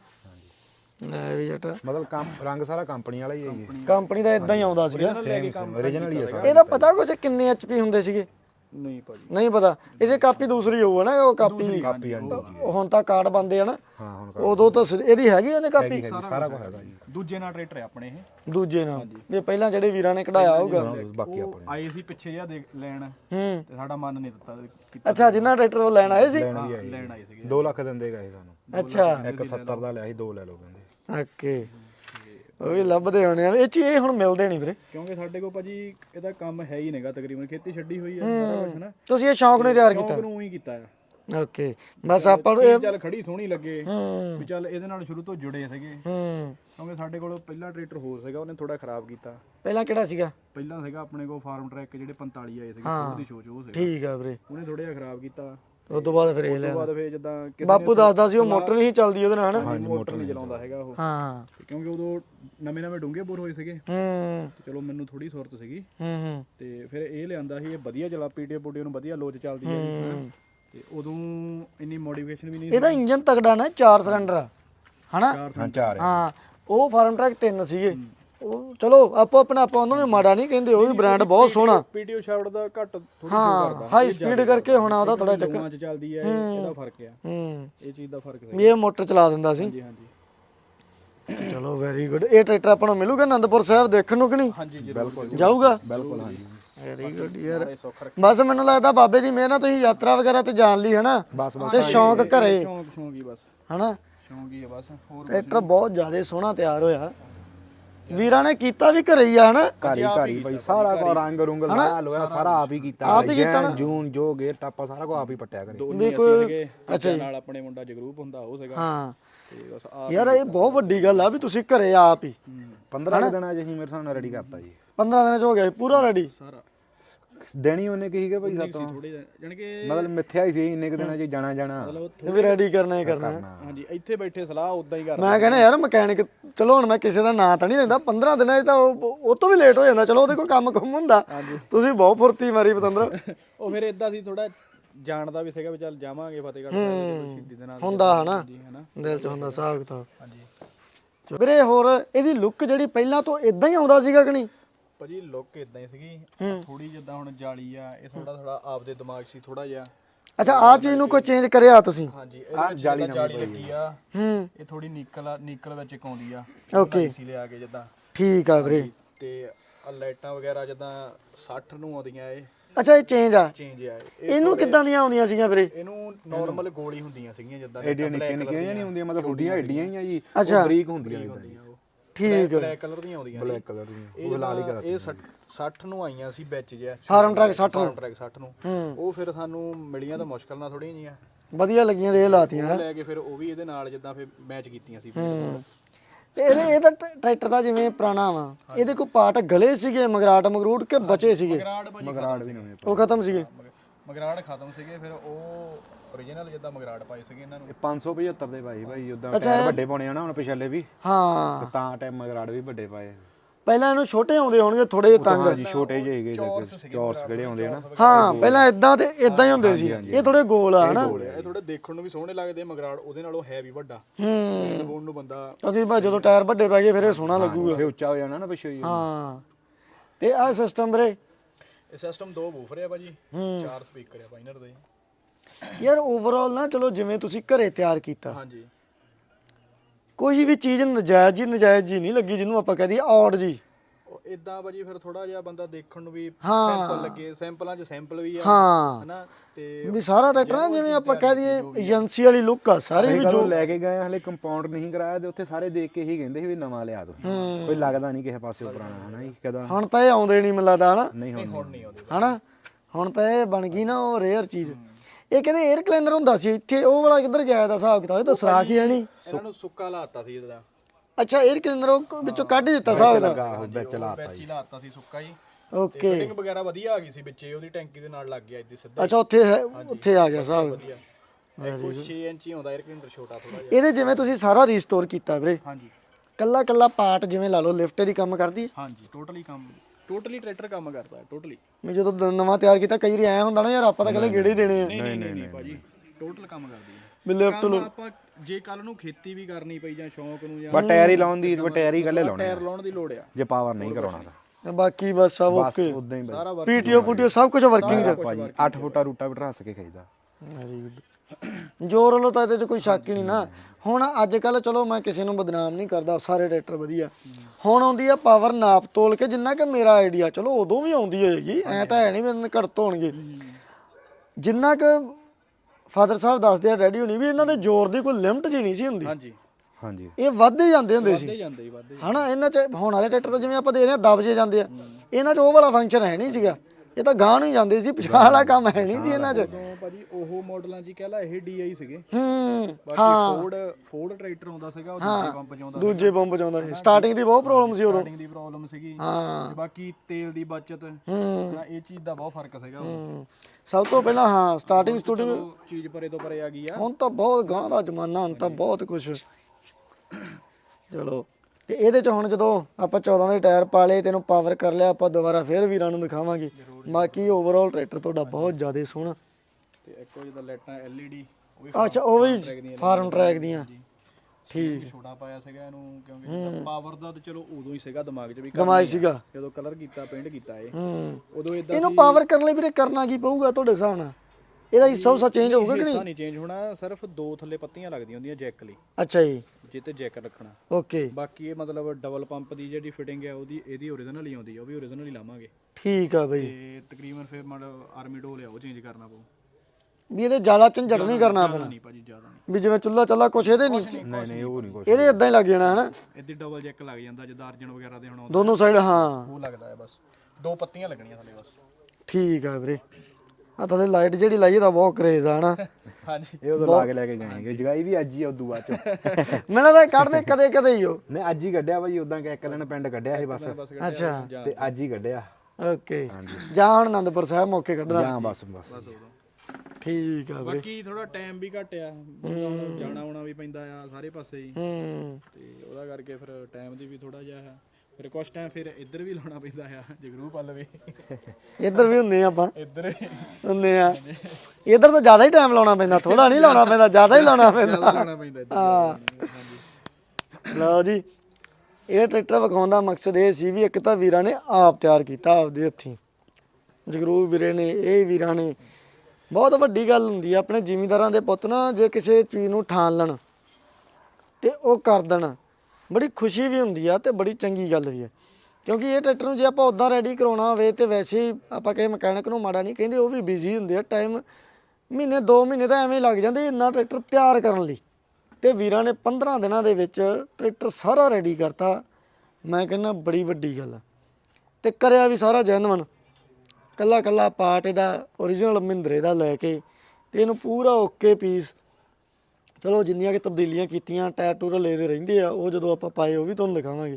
Speaker 1: ਲੈ ਵੀ ਜੱਟ,
Speaker 2: ਮਤਲਬ ਰੰਗ ਸਾਰਾ ਕੰਪਨੀ ਵਾਲਾ ਹੀ ਹੈ ਜੀ।
Speaker 1: ਕੰਪਨੀ ਦਾ ਇਦਾਂ ਹੀ ਆਉਂਦਾ ਸੀਗਾ।
Speaker 2: ਓਰੀਜਨਲ ਹੀ ਹੈ ਸਾਰਾ।
Speaker 1: ਇਹਦਾ ਪਤਾ ਕੁਛ ਕਿੰਨੇ HP ਹੁੰਦੇ ਸੀਗੇ?
Speaker 3: ਨਹੀਂ ਭਾਜੀ
Speaker 1: ਨਹੀਂ ਪਤਾ। ਇਹਦੀ ਕਾਪੀ ਦੂਸਰੀ ਹੋਊ ਨਾ, ਉਹ ਕਾਪੀ ਹੁਣ ਤਾਂ ਕਾਰਡ ਬੰਦੇ ਆ ਨਾ।
Speaker 2: ਹਾਂ ਹੁਣ
Speaker 1: ਉਦੋਂ ਤਾਂ ਇਹਦੀ ਹੈਗੀ ਉਹਨੇ ਕਾਪੀ?
Speaker 2: ਸਾਰਾ ਕੁਝ ਹੈਗਾ ਜੀ।
Speaker 3: ਦੂਜੇ ਨਾਲ ਟਰੈਕਟਰ ਹੈ ਆਪਣੇ ਇਹ।
Speaker 1: ਦੂਜੇ ਨਾਲ ਵੀ ਪਹਿਲਾਂ ਜਿਹੜੇ ਵੀਰਾਂ ਨੇ ਕਢਾਇਆ ਹੋਊਗਾ।
Speaker 2: ਬਾਕੀ
Speaker 3: ਉਹ
Speaker 2: ਆਪਣੇ
Speaker 3: ਆਏ ਸੀ ਪਿੱਛੇ ਜਿਹਾ ਲੈਣ
Speaker 1: ਹੂੰ।
Speaker 3: ਤੇ ਸਾਡਾ ਮਨ ਨਹੀਂ ਦਿੱਤਾ।
Speaker 1: ਅੱਛਾ, ਜਿੰਨਾ ਟਰੈਕਟਰ ਉਹ ਲੈਣ ਆਏ ਸੀ?
Speaker 3: ਲੈਣ ਆਏ ਸੀਗੇ।
Speaker 2: 2 ਲੱਖ ਦਿੰਦੇ ਗਏ ਸਾਨੂੰ।
Speaker 1: ਅੱਛਾ।
Speaker 2: 170 ਦਾ ਲਿਆ ਸੀ, 2 ਲੈ ਲਓ ਕਹਿੰਦੇ।
Speaker 1: ਓਕੇ, ਉਹ ਵੀ ਲੱਭਦੇ ਹੋਣੇ ਆ। ਇਹ ਹੁਣ ਮਿਲਦੇ ਨਹੀਂ ਵੀਰੇ,
Speaker 3: ਕਿਉਂਕਿ ਸਾਡੇ ਕੋਲ ਭਾਜੀ ਇਹਦਾ ਕੰਮ ਹੈ ਹੀ ਨਹੀਂਗਾ, ਤਕਰੀਬਨ ਖੇਤੀ ਛੱਡੀ ਹੋਈ ਆ ਸਾਰਾ ਕੁਝ ਹਨਾ।
Speaker 1: ਤੁਸੀਂ ਇਹ ਸ਼ੌਂਕ ਨੂੰ ਤਿਆਰ ਕੀਤਾ?
Speaker 3: ਸ਼ੌਂਕ ਨੂੰ ਹੀ ਕੀਤਾ ਆ।
Speaker 1: ਓਕੇ, ਬਸ ਆਪਾਂ ਨੂੰ
Speaker 3: ਚੱਲ ਖੜੀ ਸੋਹਣੀ ਲੱਗੇ ਵੀ ਚੱਲ ਇਹਦੇ ਨਾਲ ਸ਼ੁਰੂ ਤੋਂ ਜੁੜੇ ਸੀਗੇ। ਕਿਉਂਕਿ ਸਾਡੇ ਕੋਲ ਪਹਿਲਾ ਟਰੈਕਟਰ ਹੋਰ ਸੀਗਾ, ਉਹਨੇ ਥੋੜਾ ਖਰਾਬ ਕੀਤਾ।
Speaker 1: ਪਹਿਲਾਂ ਕਿਹੜਾ ਸੀਗਾ?
Speaker 3: ਪਹਿਲਾਂ ਸੀਗਾ ਆਪਣੇ ਕੋਲ ਫਾਰਮ ਟਰੈਕ ਜਿਹੜੇ 45 ਆਏ ਸੀਗੇ, ਉਹਦੀ ਸੋਚ ਉਹ ਸੀ।
Speaker 1: ਠੀਕ ਆ ਵੀਰੇ।
Speaker 3: ਉਹਨੇ ਥੋੜਾ ਜਿਹਾ ਖਰਾਬ ਕੀਤਾ।
Speaker 1: ਉਸ ਤੋਂ ਬਾਅਦ ਫਿਰ ਇਹ
Speaker 3: ਉਸ
Speaker 1: ਲਿਆ।
Speaker 3: ਤੋਂ ਬਾਅਦ ਫਿਰ ਜਿੱਦਾਂ
Speaker 1: ਬਾਪੂ ਦੱਸਦਾ ਸੀ ਉਹ ਮੋਟਰ ਨਹੀਂ ਚੱਲਦੀ ਉਹਦੇ ਨਾਲ ਹਨਾ।
Speaker 3: ਮੋਟਰ ਨਹੀਂ ਚਲਾਉਂਦਾ ਹੈਗਾ ਉਹ।
Speaker 1: ਹਾਂ।
Speaker 3: ਕਿਉਂਕਿ ਉਦੋਂ ਨਵੇਂ ਡੂੰਘੇ ਬੋਰ ਹੋਏ ਸੀਗੇ। ਤੇ ਚਲੋ ਮੈਨੂੰ ਥੋੜੀ ਸੁਰਤ ਸੀਗੀ। ਤੇ ਫਿਰ ਇਹ ਲਿਆਂਦਾ ਸੀ, ਇਹ ਵਧੀਆ ਚਲਾ ਪੀਟੀਓ ਨੂੰ ਵਧੀਆ ਲੋਚ ਚੱਲਦੀ ਹੈ। ਤੇ ਉਦੋਂ ਇੰਨੀ ਮੋਡੀਫਿਕੇਸ਼ਨ ਵੀ ਨਹੀਂ।
Speaker 1: ਇਹਦਾ ਇੰਜਨ ਤਗੜਾ ਨਾ, 4 ਸਿਲੰਡਰ ਆ ਹਨਾ।
Speaker 2: ਹਾਂ 4
Speaker 1: ਹਾਂ, ਉਹ ਫਾਰਮ ਟਰੈਕ 3 ਸੀਗੇ। ਉਹ ਚਲੋ ਆਪੋ ਆਪਣਾ, ਆਪਾਂ ਉਹਨੂੰ ਵੀ ਮਾੜਾ ਨਹੀਂ ਕਹਿੰਦੇ, ਉਹ ਵੀ ਬ੍ਰਾਂਡ ਬਹੁਤ ਸੋਹਣਾ।
Speaker 3: ਪੀਟੀਓ ਸ਼ਾਫਟ ਦਾ ਘੱਟ ਥੋੜੀ
Speaker 1: ਹਾਂ, ਹਾਈ ਸਪੀਡ ਕਰਕੇ ਹੋਣਾ ਉਹਦਾ ਥੋੜਾ ਚੱਕਰ।
Speaker 3: ਲੋਕਾਂ 'ਚ ਚੱਲਦੀ ਹੈ, ਇਹਦਾ ਫਰਕ ਆ। ਇਹ ਚੀਜ਼ ਦਾ ਫਰਕ ਹੈ।
Speaker 1: ਵੀ ਇਹ ਮੋਟਰ ਚਲਾ ਦਿੰਦਾ ਸੀ।
Speaker 3: ਹਾਂਜੀ ਹਾਂਜੀ।
Speaker 1: ਚਲੋ ਵੈਰੀ ਗੁੱਡ। ਇਹ ਟਰੈਕਟਰ ਆਪਾਂ ਨੂੰ ਮਿਲੂਗਾ ਆਨੰਦਪੁਰ ਸਾਹਿਬ ਦੇਖਣ ਨੂੰ ਕਿ ਨਹੀਂ?
Speaker 3: ਹਾਂਜੀ ਬਿਲਕੁਲ
Speaker 1: ਜਾਊਗਾ?
Speaker 2: ਬਿਲਕੁਲ ਹਾਂਜੀ।
Speaker 1: ਵੈਰੀ ਗੁੱਡ ਯਾਰ। ਬਸ ਮੈਨੂੰ ਲੱਗਦਾ ਬਾਬੇ ਦੀ ਮਿਹਰ ਨਾਲ ਤੁਸੀਂ ਯਾਤਰਾ ਵਗੈਰਾ ਤੇ ਜਾਣ ਲਈ ਹਨਾ, ਤੇ ਸ਼ੌਂਕ ਘਰੇ
Speaker 3: ਸ਼ੌਂਕ ਹੀ ਬਸ
Speaker 1: ਹਨਾ।
Speaker 3: ਸ਼ੌਂਕ ਹੀ ਹੈ ਬਸ। ਹੋਰ
Speaker 1: ਟਰੈਕਟਰ ਬਹੁਤ ਜ਼ਿਆਦਾ ਸੋਹਣਾ ਤਿਆਰ ਹੋਇਆ। ਵੀਰਾਂ ਨੇ ਕੀਤਾ ਵੀ ਘਰੇ ਹੀ ਆ ਹਨਾ।
Speaker 2: ਘਰੀ ਭਾਈ ਸਾਰਾ ਕੋ ਰੰਗ ਰੁੰਗ ਲਾ ਲੋਇਆ ਸਾਰਾ ਆਪ ਹੀ ਕੀਤਾ।
Speaker 1: ਆਪ ਹੀ ਕੀਤਾ ਨਾ।
Speaker 2: ਜੂਨ ਜੋ ਗੇਟ ਟਾਪਾ ਸਾਰਾ ਕੋ ਆਪ ਹੀ ਪੱਟਿਆ ਕਰੇ।
Speaker 3: ਵੀ ਕੋਈ ਅੱਛਾ ਨਾਲ ਆਪਣੇ ਮੁੰਡਾ ਜਗਰੂਪ ਹੁੰਦਾ ਉਹ ਸੀਗਾ।
Speaker 1: ਹਾਂ
Speaker 3: ਤੇ ਬਸ ਆ
Speaker 1: ਯਾਰ, ਇਹ ਬਹੁਤ ਵੱਡੀ ਗੱਲ ਆ ਵੀ ਤੁਸੀਂ ਘਰੇ ਆਪ ਹੀ
Speaker 2: 15 ਦਿਨਾਂ 'ਚ ਅਸੀਂ ਮੇਰੇ ਹਿਸਾਬ ਨਾਲ ਰੈਡੀ ਕਰਤਾ ਜੀ।
Speaker 1: 15 ਦਿਨਾਂ ਚ ਹੋ ਗਿਆ ਪੂਰਾ ਰੈਡੀ
Speaker 3: ਸਾਰਾ।
Speaker 2: ਦੇਣੀ ਉਹਨੇ ਕਹੀ ਕਿ ਭਾਈ ਸਾਤੋਂ
Speaker 3: ਥੋੜੇ ਜਾਨ ਕਿ
Speaker 2: ਮਤਲਬ ਮਿੱਥਿਆ ਹੀ ਸੀ ਇੰਨੇ ਕੁ ਦਿਨਾਂ 'ਚ ਜਾਣਾ
Speaker 1: ਇਹ ਵੀ ਰੈਡੀ ਕਰਨਾ ਹੀ ਕਰਨਾ।
Speaker 3: ਹਾਂਜੀ ਇੱਥੇ ਬੈਠੇ ਸਲਾਹ ਉਦਾਂ ਹੀ ਕਰਦੇ।
Speaker 1: ਮੈਂ ਕਹਿੰਦਾ ਯਾਰ ਮਕੈਨਿਕ, ਚਲੋ ਹੁਣ ਮੈਂ ਕਿਸੇ ਦਾ ਨਾਂ ਤਾਂ ਨਹੀਂ ਲੈਂਦਾ, 15 ਦਿਨਾਂ 'ਚ ਤਾਂ ਉਹ ਤੋਂ ਵੀ ਲੇਟ ਹੋ ਜਾਂਦਾ। ਚਲੋ ਉਹਦੇ ਕੋਲ ਕੰਮ ਹੁੰਦਾ। ਤੁਸੀਂ ਬਹੁਤ ਫੁਰਤੀ ਮਾਰੀ ਪਤੰਦਰ।
Speaker 3: ਉਹ ਫਿਰ ਇਦਾਂ ਸੀ ਥੋੜਾ ਜਾਣਦਾ ਵੀ ਸੀਗਾ ਵੀ ਚੱਲ ਜਾਵਾਂਗੇ ਫਤਿਹਗੜ੍ਹ ਸ਼ਹੀਦੀ ਦੇ ਨਾਲ
Speaker 1: ਹੁੰਦਾ ਹਨਾ, ਦਿਲ 'ਚ ਹੁੰਦਾ ਹਿਸਾਬ ਕਿਤਾਬ। ਹਾਂਜੀ ਵੀਰੇ, ਹੋਰ ਇਹਦੀ ਲੁੱਕ ਜਿਹੜੀ ਪਹਿਲਾਂ ਤੋਂ ਇਦਾਂ ਹੀ ਆਉਂਦਾ ਸੀਗਾ ਕਿ ਨਹੀਂ?
Speaker 3: ਭਾਜੀ ਲੁੱਕ ਇਦਾਂ ਹੀ ਸੀਗੀ ਥੋੜੀ, ਜਿੱਦਾਂ ਹੁਣ ਜਾਲੀ ਆ ਇਹ ਥੋੜਾ ਆਪਦੇ ਦਿਮਾਗ 'ਚ ਥੋੜਾ ਜਿਹਾ।
Speaker 1: ਅੱਛਾ, ਆਹ ਚੀਜ਼ ਨੂੰ ਕੋਈ ਚੇਂਜ ਕਰਿਆ ਤੁਸੀਂ?
Speaker 3: ਹਾਂਜੀ, ਇਹਦੇ ਜਾਲੀ ਲੱਗੀ ਆ। ਇਹ ਥੋੜੀ ਨਿਕਲ ਵਿੱਚ ਇੱਕ ਆਉਂਦੀ ਆ।
Speaker 1: ਓਕੇ,
Speaker 3: ਸੀ ਲਿਆ ਕੇ ਜਿੱਦਾਂ।
Speaker 1: ਠੀਕ ਆ ਵੀਰੇ।
Speaker 3: ਤੇ ਆ ਲਾਈਟਾਂ ਵਗੈਰਾ ਜਿੱਦਾਂ 60 ਨੂੰ ਆਉਂਦੀਆਂ ਇਹ।
Speaker 1: ਅੱਛਾ, ਇਹ ਚੇਂਜ ਆ।
Speaker 3: ਚੇਂਜ ਆ
Speaker 1: ਇਹਨੂੰ ਕਿੱਦਾਂ ਦੀਆਂ ਆਉਂਦੀਆਂ ਸੀਗੀਆਂ ਵੀਰੇ?
Speaker 3: ਇਹਨੂੰ ਨਾਰਮਲ ਗੋਲੀ ਹੁੰਦੀਆਂ ਸੀਗੀਆਂ ਜਿੱਦਾਂ
Speaker 2: ਐਡੀਆਂ ਨਿੱਕੀਆਂ ਨਿੱਕੀਆਂ ਨਹੀਂ ਹੁੰਦੀਆਂ, ਮਤਲਬ ਹੁੱਡੀਆਂ ਐਡੀਆਂ ਹੀ ਆ ਜੀ। ਉਹ ਬਰੀਕ ਹੁੰਦੀਆਂ ਇਦਾਂ ਜੀ।
Speaker 1: ਠੀਕ,
Speaker 3: ਬਲੈਕ ਕਲਰ ਦੀਆਂ ਆਉਂਦੀਆਂ।
Speaker 2: ਬਲੈਕ ਕਲਰ ਦੀਆਂ ਉਹ ਲਾਲ ਹੀ ਕਰਾ।
Speaker 3: ਇਹ 60 ਨੂੰ ਆਈਆਂ ਸੀ ਵਿੱਚ ਜਿਆ।
Speaker 1: ਫਾਰਮ ਟਰੈਕ 60 ਨੂੰ।
Speaker 3: ਉਹ ਫਿਰ ਸਾਨੂੰ ਮਿਲੀਆਂ ਤਾਂ ਮੁਸ਼ਕਲ ਨਾਲ ਥੋੜੀਆਂ ਜੀਆਂ।
Speaker 1: ਵਧੀਆ ਲੱਗੀਆਂ ਤੇ ਇਹ ਲਾਤੀਆਂ
Speaker 3: ਲੈ ਕੇ ਫਿਰ ਉਹ ਵੀ ਇਹਦੇ ਨਾਲ ਜਿੱਦਾਂ ਫਿਰ ਮੈਚ ਕੀਤੀਆਂ ਸੀ।
Speaker 1: ਤੇ ਇਹਦਾ ਟਰੈਕਟਰ ਦਾ ਜਿਵੇਂ ਪੁਰਾਣਾ ਵਾ, ਇਹਦੇ ਕੋਈ ਪਾਰਟ ਗਲੇ ਸੀਗੇ, ਮਗਰਾਟ ਕੇ ਬਚੇ ਸੀਗੇ?
Speaker 2: ਮਗਰਾੜ ਵੀ ਨਵੇਂ
Speaker 1: ਉਹ ਖਤਮ ਸੀਗੇ।
Speaker 3: ਮਗਰਾੜ ਖਤਮ ਸੀਗੇ, ਫਿਰ ਉਹ ਓਰੀਜਨਲ ਜਿੱਦਾਂ ਮਗਰਾੜ ਪਾਏ ਸੀਗੇ ਇਹਨਾਂ ਨੂੰ।
Speaker 2: 575 ਦੇ ਭਾਈ ਉਦਾਂ ਟਾਇਰ ਵੱਡੇ ਪਾਉਣੇ ਆ ਨਾ ਹੁਣ ਪਿਛਲੇ ਵੀ।
Speaker 1: ਹਾਂ,
Speaker 2: ਤਾਂ ਟਾਈਮ ਮਗਰਾੜ ਵੀ ਵੱਡੇ ਪਾਏ।
Speaker 1: ਪਹਿਲਾਂ ਇਹਨੂੰ ਛੋਟੇ ਆਉਂਦੇ ਹੋਣਗੇ ਥੋੜੇ ਜਿਹੇ ਤੰਗ।
Speaker 2: ਹਾਂਜੀ, ਛੋਟੇ ਜਿਹੇ ਹੈਗੇ ਚੌਰਸ ਜਿਹੜੇ ਆਉਂਦੇ ਆ ਨਾ।
Speaker 1: ਹਾਂ, ਪਹਿਲਾਂ ਇਦਾਂ ਤੇ ਇਦਾਂ ਹੀ ਹੁੰਦੇ ਸੀ। ਇਹ ਥੋੜੇ ਗੋਲ ਆ ਹਨਾ।
Speaker 3: ਇਹ ਥੋੜੇ ਦੇਖਣ ਨੂੰ ਵੀ ਸੋਹਣੇ ਲੱਗਦੇ। ਮਗਰਾੜ ਉਹਦੇ ਨਾਲੋਂ ਹੈ ਵੀ ਵੱਡਾ। ਬੋਨ ਨੂੰ ਬੰਦਾ
Speaker 1: ਕਿਉਂਕਿ ਭਾਈ ਜਦੋਂ ਟਾਇਰ ਵੱਡੇ ਪੈ ਗਏ ਫਿਰ ਇਹ ਸੋਹਣਾ ਲੱਗੂਗਾ,
Speaker 2: ਫੇ ਉੱਚਾ ਹੋ ਜਾਣਾ ਨਾ ਪਿੱਛੇ।
Speaker 1: ਹਾਂ। ਤੇ ਆਹ ਸਿਸਟਮ ਵੀਰੇ?
Speaker 3: ਇਹ ਸਿਸਟਮ 2 ਬੂਫਰ ਆ ਭਾਜੀ, 4 ਸਪੀਕਰ ਆ ਫਾਈਨਰ ਦੇ।
Speaker 1: ਯਾਰ ਓਵਰਆਲ ਨਾ, ਚਲੋ ਜਿਵੇਂ ਤੁਸੀਂ ਘਰੇ ਤਿਆਰ ਕੀਤਾ,
Speaker 3: ਹਾਂਜੀ,
Speaker 1: ਕੋਈ ਵੀ ਚੀਜ਼ ਨਜਾਇਜ਼ ਜੀ ਨਹੀਂ ਲੱਗੀ ਜਿਹਨੂੰ ਆਪਾਂ ਕਹਦੇ ਔਡ ਜੀ।
Speaker 3: ਇਦਾਂ ਭਾਜੀ ਫਿਰ ਥੋੜਾ ਜਿਹਾ ਬੰਦਾ ਦੇਖਣ ਨੂੰ ਵੀ
Speaker 1: ਹਾਂ।
Speaker 3: ਸੈਂਪਲ ਲੱਗੇ। ਸੈਂਪਲਾਂ 'ਚ ਸੈਂਪਲ ਵੀ ਆ
Speaker 1: ਹਾਂ
Speaker 3: ਹਨਾ। ਤੇ
Speaker 1: ਵੀ ਸਾਰਾ ਟਰੈਕਟਰ ਨਾ ਜਿਵੇਂ ਆਪਾਂ ਕਹਿ ਦਈਏ ਏਜੰਸੀ ਵਾਲੀ ਲੁੱਕ ਆ ਸਾਰੀ। ਵੀ
Speaker 2: ਜੋ ਲੈ ਕੇ ਗਏ ਹਲੇ ਕੰਪਾਊਂਡ ਨਹੀਂ ਕਰਾਇਆ ਤੇ ਉੱਥੇ ਸਾਰੇ ਦੇਖ ਕੇ ਹੀ ਕਹਿੰਦੇ ਸੀ ਵੀ ਨਵਾਂ ਲਿਆ ਦੋ। ਕੋਈ ਲੱਗਦਾ ਨਹੀਂ ਕਿਸੇ ਪਾਸੇ ਪੁਰਾਣਾ ਹਨਾ ਜੀ ਕਦਾ।
Speaker 1: ਹੁਣ ਤਾਂ ਇਹ ਆਉਂਦੇ ਨਹੀਂ ਮੈਨੂੰ ਲੱਗਦਾ ਹਨਾ।
Speaker 2: ਨਹੀਂ
Speaker 3: ਹੁਣ ਨਹੀਂ ਆਉਂਦੇ
Speaker 1: ਹਨਾ। ਹੁਣ ਤਾਂ ਇਹ ਬਣ ਗਈ ਨਾ ਉਹ ਰੇਅਰ ਚੀਜ਼। ਇਹ ਕਹਿੰਦੇ 에ਅਰ ਕਲੈਂਡਰ ਹੁੰਦਾ ਸੀ ਇੱਥੇ, ਉਹ ਵਾਲਾ ਕਿੱਧਰ ਗਿਆ ਦਾ ਹਿਸਾਬ ਕਿਤਾਬ? ਇਹ ਤਾਂ ਸਰਾਖ ਹੀ ਹੈ ਨਹੀਂ।
Speaker 3: ਇਹਨਾਂ ਨੂੰ ਸੁੱਕਾ ਲਾਤਾ ਸੀ ਇਹਦਾ।
Speaker 1: ਅੱਛਾ 에ਅਰ ਕਲੀਨਰ ਉਹ ਵਿੱਚੋਂ ਕੱਢ ਹੀ ਦਿੱਤਾ ਸਾਗ ਦਾ
Speaker 2: ਲੱਗਾ ਉਹ ਵਿੱਚ ਲਾਤਾ
Speaker 3: ਵਿੱਚ ਹੀ ਲਾਤਾ ਸੀ ਸੁੱਕਾ ਜੀ
Speaker 1: ਓਕੇ
Speaker 3: ਫਿਟਿੰਗ ਵਗੈਰਾ ਵਧੀਆ ਆ ਗਈ ਸੀ ਵਿੱਚੇ ਉਹਦੀ ਟੈਂਕੀ ਦੇ ਨਾਲ ਲੱਗ ਗਿਆ ਇੱਦੀ ਸਿੱਧਾ
Speaker 1: ਅੱਛਾ ਉੱਥੇ ਆ ਗਿਆ ਸਾਗ
Speaker 3: ਵਧੀਆ ਇੱਕ 6 ਇੰਚ ਹੀ ਹੁੰਦਾ 에ਅਰ ਕਲੀਨਰ ਛੋਟਾ ਥੋੜਾ ਜਿਹਾ
Speaker 1: ਇਹਦੇ ਜਿਵੇਂ ਤੁਸੀਂ ਸਾਰਾ ਰੀਸਟੋਰ ਕੀਤਾ ਵੀਰੇ
Speaker 3: ਹਾਂਜੀ
Speaker 1: ਕੱਲਾ ਕੱਲਾ ਪਾਰਟ ਜਿਵੇਂ ਲਾ ਲਓ ਲਿਫਟ ਦੀ ਕੰਮ ਕਰਦੀ ਹੈ
Speaker 3: ਹਾਂਜੀ ਟੋਟਲੀ ਟਰੈਕਟਰ ਕੰਮ ਕਰਦਾ ਹੈ ਟੋਟਲੀ
Speaker 1: ਮੈਂ ਜਦੋਂ ਨਵਾਂ ਤਿਆਰ ਕੀਤਾ ਕਈ ਵਾਰੀ ਐ ਹੁੰਦਾ ਨਾ ਯਾਰ ਆਪਾਂ ਤਾਂ ਕੱਲੇ ਗੇੜੇ ਹੀ ਦੇਣੇ ਆ
Speaker 3: ਨਹੀਂ ਭਾਜੀ ਟੋਟਲ ਕੰਮ ਕਰਦੀ ਹੈ
Speaker 1: ਵੀ ਲਿਫਟ ਲੋ
Speaker 3: ਆਪਾਂ ਜੇ ਕੱਲ ਨੂੰ ਖੇਤੀ ਵੀ ਕਰਨੀ ਪਈ ਜਾਂ ਸ਼ੌਂਕ ਨੂੰ ਜਾਂ
Speaker 2: ਬਸ ਟਾਇਰ ਹੀ ਲਾਉਣ ਦੀ ਟਾਇਰ ਹੀ ਇਕੱਲੇ ਲਾਉਣੇ
Speaker 3: ਟਾਇਰ ਲਾਉਣ ਦੀ ਲੋੜ ਆ
Speaker 2: ਜੇ ਪਾਵਰ ਨਹੀਂ ਕਰਾਉਣਾ ਤਾਂ
Speaker 1: ਬਾਕੀ ਬਸ ਸਭ
Speaker 2: ਬਸ
Speaker 1: ਓਕੇ
Speaker 2: ਉਦਾਂ ਹੀ ਬਸ
Speaker 3: ਸਾਰਾ ਵਰਕ
Speaker 1: ਪੀਟੀਓ ਪੁਟੀਓ ਸਭ ਕੁਝ ਵਰਕਿੰਗ ਚ
Speaker 2: ਭਾਜੀ 8 ਫੁੱਟਾ ਰੂਟਾ ਵੀ ਹੱਸ ਕੇ ਖਾਈਦਾ
Speaker 1: ਵੈਰੀ ਗੁੱਡ ਜੋਰ ਲੋ ਤਾਂ ਇਹਦੇ ਚ ਕੋਈ ਸ਼ੱਕ ਹੀ ਨਹੀਂ ਨਾ ਹੁਣ ਅੱਜ ਕੱਲ ਚਲੋ ਮੈਂ ਕਿਸੇ ਨੂੰ ਬਦਨਾਮ ਨਹੀਂ ਕਰਦਾ ਸਾਰੇ ਟਰੈਕਟਰ ਵਧੀਆ ਹੁਣ ਆਉਂਦੀ ਆ ਪਾਵਰ ਨਾਪ ਤੋਲ ਕੇ ਜਿੰਨਾ ਕਿ ਮੇਰਾ ਆਈਡੀਆ ਚਲੋ ਉਦੋਂ ਵੀ ਆਉਂਦੀ ਹੋਏਗੀ ਐ ਤਾਂ ਹੈ ਨਹੀਂ ਵੀ ਘੱਟ ਹੋਣਗੇ ਜਿੰਨਾ ਕਿ ਫਾਦਰ ਸਾਹਿਬ ਦੱਸਦੇ ਆ ਡੈਡੀ ਹੁਣੀ ਵੀ ਇਹਨਾਂ ਦੇ ਜ਼ੋਰ ਦੀ ਕੋਈ ਲਿਮਟ ਜੀ ਨਹੀਂ ਸੀ ਹੁੰਦੀ
Speaker 3: ਹਾਂਜੀ
Speaker 2: ਹਾਂਜੀ
Speaker 1: ਇਹ ਵੱਧਦੇ ਜਾਂਦੇ ਹੁੰਦੇ ਸੀ
Speaker 3: ਜਾਂਦੇ ਹੀ ਵੱਧਦੇ
Speaker 1: ਹਨਾ ਇਹਨਾਂ ਚ ਹੁਣ ਵਾਲੇ ਟਰੈਕਟਰ ਤਾਂ ਜਿਵੇਂ ਆਪਾਂ ਦੇ ਰਹੇ ਆ ਦਬ ਜੇ ਜਾਂਦੇ ਆ ਇਹਨਾਂ ਚ ਉਹ ਵਾਲਾ ਫੰਕਸ਼ਨ ਹੈ ਨਹੀਂ ਸੀਗਾ ਇਹ ਤਾਂ ਗਾਂ ਨੂੰ ਹੀ ਜਾਂਦੇ ਸੀ ਪਿਛਾਂ ਵਾਲਾ ਕੰਮ ਹੈ ਨਹੀਂ ਸੀ ਇਹਨਾਂ ਚ
Speaker 3: ਉਦੋਂ ਭਾਜੀ ਉਹ ਮਾਡਲਾਂ 'ਚ ਹੀ ਕਹਿ ਲਾ ਇਹ DI ਸੀਗੇ
Speaker 1: ਬਾਕੀ
Speaker 3: ਫੋਰਡ ਟਰੈਕਟਰ ਆਉਂਦਾ ਸੀਗਾ ਉਹ ਦੂਜੇ ਪੰਪ 'ਚ ਆਉਂਦਾ
Speaker 1: ਦੂਜੇ ਬੰਬ ਚਾਉਂਦਾ ਸੀ ਸਟਾਰਟਿੰਗ ਦੀ ਬਹੁਤ ਪ੍ਰੋਬਲਮ ਸੀ ਉਦੋਂ
Speaker 3: ਸਟਾਰਟਿੰਗ ਦੀ ਪ੍ਰੋਬਲਮ ਸੀਗੀ ਤੇ ਬਾਕੀ ਤੇਲ ਦੀ ਬਚਤ ਨਾ ਇਹ ਚੀਜ਼ ਦਾ ਬਹੁਤ ਫਰਕ ਸੀਗਾ
Speaker 1: ਸਭ ਤੋਂ ਪਹਿਲਾਂ ਹਾਂ ਸਟਾਰਟਿੰਗ ਸਟੂਡਿੰਗ
Speaker 3: ਉਹ ਚੀਜ਼ ਪਰੇ ਤੋਂ ਪਰੇ ਆ ਗਈ ਆ
Speaker 1: ਹੁਣ ਤਾਂ ਬਹੁਤ ਗਾਂ ਦਾ ਜ਼ਮਾਨਾ ਹੁਣ ਤਾਂ ਬਹੁਤ ਕੁਝ ਚਲੋ ਤੇ ਇਹਦੇ ਚ ਹੁਣ ਜਦੋਂ ਆਪਾਂ 14 ਦੇ ਟਾਇਰ ਪਾ ਲਏ ਤੈਨੂੰ ਪਾਵਰ ਕਰ ਲਿਆ ਆਪਾਂ ਦੁਬਾਰਾ ਫੇਰ ਵੀਰਾਂ ਨੂੰ ਦਿਖਾਵਾਂਗੇ ਬਾਕੀ ਓਵਰਆਲ ਟਰੈਕਟਰ ਤੁਹਾਡਾ ਬਹੁਤ ਜ਼ਿਆਦਾ ਸੋਹਣਾ
Speaker 3: ਤੇ ਇੱਕ ਉਹ ਜਿਹਦਾ ਲਾਈਟਾਂ LED ਉਹ ਵੀ
Speaker 1: ਅੱਛਾ ਉਹ ਵੀ ਫਾਰਮ ਟਰੈਕ ਦੀਆਂ ਠੀਕ
Speaker 3: ਛੋਟਾ ਪਾਇਆ ਸੀਗਾ ਇਹਨੂੰ ਕਿਉਂਕਿ ਪਾਵਰ ਦਾ ਤੇ ਚਲੋ ਉਦੋਂ ਹੀ ਸੀਗਾ ਦਿਮਾਗ 'ਚ ਵੀ
Speaker 1: ਦਿਮਾਗ ਸੀਗਾ
Speaker 3: ਜਦੋਂ ਕਲਰ ਕੀਤਾ ਪੇਂਟ ਕੀਤਾ ਇਹ
Speaker 1: ਹੂੰ
Speaker 3: ਉਦੋਂ ਇਦਾਂ
Speaker 1: ਇਹਨੂੰ ਪਾਵਰ ਕਰਨ ਲਈ ਵੀਰੇ ਕਰਨਾ ਕੀ ਪਊਗਾ ਤੁਹਾਡੇ ਹਿਸਾਬ ਨਾਲ ਇਹਦਾ ਹਿੱਸਾ ਉਸਾ ਚੇਂਜ ਹੋਊਗਾ ਕਿ ਨਹੀਂ
Speaker 3: ਨਹੀਂ ਚੇਂਜ ਹੋਣਾ ਸਿਰਫ ਦੋ ਥੱਲੇ ਪੱਤੀਆਂ ਲੱਗਦੀਆਂ ਹੁੰਦੀਆਂ ਜੈਕ ਲਈ
Speaker 1: ਅੱਛਾ ਜੀ
Speaker 3: ਜਿੱਤੇ ਜੈਕ ਰੱਖਣਾ
Speaker 1: ਓਕੇ
Speaker 3: ਬਾਕੀ ਇਹ ਮਤਲਬ ਡਬਲ ਪੰਪ ਦੀ ਜਿਹੜੀ ਫਿਟਿੰਗ ਹੈ ਇਹਦੀ ਓਰੀਜਨਲ ਹੀ ਆਉਂਦੀ ਹੈ ਉਹ ਵੀ ਓਰੀਜਨਲ ਹੀ ਲਾਵਾਂਗੇ
Speaker 1: ਠੀਕ ਆ ਬਈ
Speaker 3: ਤੇ ਤਕਰੀਬਨ ਫਿਰ ਮਤਲਬ ਆਰਮੀ ਡੋਲ ਆ ਉਹ ਚੇਂਜ ਕਰਨਾ ਪਊ
Speaker 1: ਵੀ ਇਹਦੇ ਜ਼ਿਆਦਾ ਝੰਜਟ ਨਹੀਂ ਕਰਨਾ ਆਪਣਾ
Speaker 3: ਨਹੀਂ ਭਾਜੀ ਜ਼ਿਆਦਾ ਨਹੀਂ
Speaker 1: ਵੀ ਜਿਵੇਂ ਚੁੱਲਾ ਚੱਲਾ ਕੁਛ ਇਹਦੇ ਨਹੀਂ
Speaker 2: ਨਹੀਂ ਉਹ ਨਹੀਂ ਕੁਛ
Speaker 1: ਇਹਦੇ ਇਦਾਂ ਹੀ ਲੱਗ ਜਾਣਾ ਹਨਾ
Speaker 3: ਇਹਦੀ ਡਬਲ ਜੈਕ ਲੱਗ ਜਾਂਦਾ ਜਿੱਦਾਂ ਅਰਜਨ ਵਗੈਰਾ ਦੇ ਹੁਣ ਆਉਂਦਾ
Speaker 1: ਦੋਨੋਂ ਸਾਈਡ ਹਾਂ
Speaker 3: ਉਹ ਲੱਗਦਾ ਹੈ ਬਸ ਦੋ ਪੱਤੀਆਂ ਲੱਗਣੀਆਂ ਥੱਲੇ ਬਸ
Speaker 1: ਠੀਕ ਆ ਵੀਰੇ ਆ ਤਾਂ ਲਾਈਟ ਜਿਹੜੀ ਲਾਈ ਇਹਦਾ ਬਹੁਤ ਕਰੇਜ਼ ਆ ਹਨਾ
Speaker 3: ਹਾਂਜੀ
Speaker 2: ਇਹ ਉਦੋਂ ਲਾ ਕੇ ਲੈ ਕੇ ਜਾਏਗੇ ਜਗਾਈ ਵੀ ਅੱਜ ਹੀ ਆ ਉਦੋਂ ਬਾਅਦ ਚ
Speaker 1: ਮੈਨੂੰ ਤਾਂ ਕੱਢਦੇ ਕਦੇ ਕਦੇ ਹੀ ਉਹ
Speaker 2: ਨਹੀਂ ਅੱਜ ਹੀ ਕੱਢਿਆ ਭਾਈ ਉਦਾਂ ਕਿ ਇੱਕ ਦਿਨ ਪਿੰਡ ਕੱਢਿਆ ਸੀ ਬਸ
Speaker 1: ਅੱਛਾ
Speaker 2: ਤੇ ਅੱਜ ਹੀ ਕੱਢਿਆ
Speaker 1: ਓਕੇ ਜਾਂ ਹੁਣ ਆਨੰਦਪੁਰ ਸਾਹਿਬ ਮੌਕੇ ਕੱਢਣਾ
Speaker 2: ਜਾਂ ਬਸ
Speaker 1: ਠੀਕ ਆ ਵੀਰੇ
Speaker 3: ਬਾਕੀ ਥੋੜਾ ਟਾਈਮ ਵੀ ਘੱਟ ਆ ਜਾਣਾ ਆਉਣਾ ਵੀ ਪੈਂਦਾ ਆ ਸਾਰੇ ਪਾਸੇ ਹੀ ਤੇ ਉਹਦਾ ਕਰਕੇ ਫਿਰ ਟਾਈਮ ਦੀ ਵੀ ਥੋੜਾ ਜਿਹਾ ਹੈ ਫਿਰ ਕੁਛ ਟਾਈਮ ਫਿਰ ਇੱਧਰ ਵੀ ਲਾਉਣਾ ਪੈਂਦਾ ਆ ਜਗਰੂਪ ਵੱਲ ਵੀ
Speaker 1: ਇੱਧਰ ਵੀ ਹੁੰਨੇ ਆ ਆਪਾਂ
Speaker 3: ਇੱਧਰ
Speaker 1: ਹੁੰਨੇ ਆ ਇੱਧਰ ਤਾਂ ਜ਼ਿਆਦਾ ਹੀ ਟਾਈਮ ਲਾਉਣਾ ਪੈਂਦਾ ਥੋੜਾ ਨਹੀਂ ਲਾਉਣਾ ਪੈਂਦਾ ਜ਼ਿਆਦਾ ਹੀ ਲਾਉਣਾ ਪੈਂਦਾ
Speaker 3: ਲਾਉਣਾ ਪੈਂਦਾ ਇੱਧਰ
Speaker 1: ਹਾਂ ਲਓ ਜੀ ਇਹ ਟਰੈਕਟਰ ਵਿਖਾਉਣ ਦਾ ਮਕਸਦ ਇਹ ਸੀ ਵੀ ਇੱਕ ਤਾਂ ਵੀਰਾਂ ਨੇ ਆਪ ਤਿਆਰ ਕੀਤਾ ਆਪਦੇ ਹੱਥੀਂ ਜਗਰੂਪ ਵੀਰੇ ਨੇ ਇਹ ਵੀਰਾਂ ਨੇ ਬਹੁਤ ਵੱਡੀ ਗੱਲ ਹੁੰਦੀ ਆ ਆਪਣੇ ਜ਼ਿਮੀਂਦਾਰਾਂ ਦੇ ਪੁੱਤ ਨਾ ਜੇ ਕਿਸੇ ਚੀਜ਼ ਨੂੰ ਠਾਣ ਲੈਣ ਤੇ ਉਹ ਕਰ ਦੇਣ ਬੜੀ ਖੁਸ਼ੀ ਵੀ ਹੁੰਦੀ ਆ ਤੇ ਬੜੀ ਚੰਗੀ ਗੱਲ ਵੀ ਆ ਕਿਉਂਕਿ ਇਹ ਟਰੈਕਟਰ ਨੂੰ ਜੇ ਆਪਾਂ ਉਦਾਂ ਰੈਡੀ ਕਰਾਉਣਾ ਹੋਵੇ ਤੇ ਵੈਸੇ ਹੀ ਆਪਾਂ ਕਹੇ ਮਕੈਨਿਕ ਨੂੰ ਮਾੜਾ ਨਹੀਂ ਕਹਿੰਦੇ ਉਹ ਵੀ ਬਿਜ਼ੀ ਹੁੰਦੇ ਆ ਟਾਈਮ ਮਹੀਨੇ 2 ਮਹੀਨੇ ਤਾਂ ਐਵੇਂ ਹੀ ਲੱਗ ਜਾਂਦੇ ਇੰਨਾ ਟਰੈਕਟਰ ਤਿਆਰ ਕਰਨ ਲਈ ਤੇ ਵੀਰਾਂ ਨੇ 15 ਦਿਨਾਂ ਦੇ ਵਿੱਚ ਟਰੈਕਟਰ ਸਾਰਾ ਰੈਡੀ ਕਰਤਾ ਮੈਂ ਕਹਿੰਦਾ ਬੜੀ ਵੱਡੀ ਗੱਲ ਆ ਤੇ ਕਰਿਆ ਵੀ ਸਾਰਾ ਜੈਨੂਅਨ ਕੱਲਾ ਕੱਲਾ ਪਾਰਟ ਇਹਦਾ ਓਰੀਜਨਲ ਮਹਿੰਦਰੇ ਦਾ ਲੈ ਕੇ ਤੇ ਇਹਨੂੰ ਪੂਰਾ ਓਕੇ ਪੀਸ ਚਲੋ ਜਿੰਨੀਆਂ ਕਿ ਤਬਦੀਲੀਆਂ ਕੀਤੀਆਂ ਟਾਇਰ ਟੂਰ ਲੈਦੇ ਰਹਿੰਦੇ ਆ ਉਹ ਜਦੋਂ ਆਪਾਂ ਪਾਏ ਉਹ ਵੀ ਤੁਹਾਨੂੰ ਦਿਖਾਵਾਂਗੇ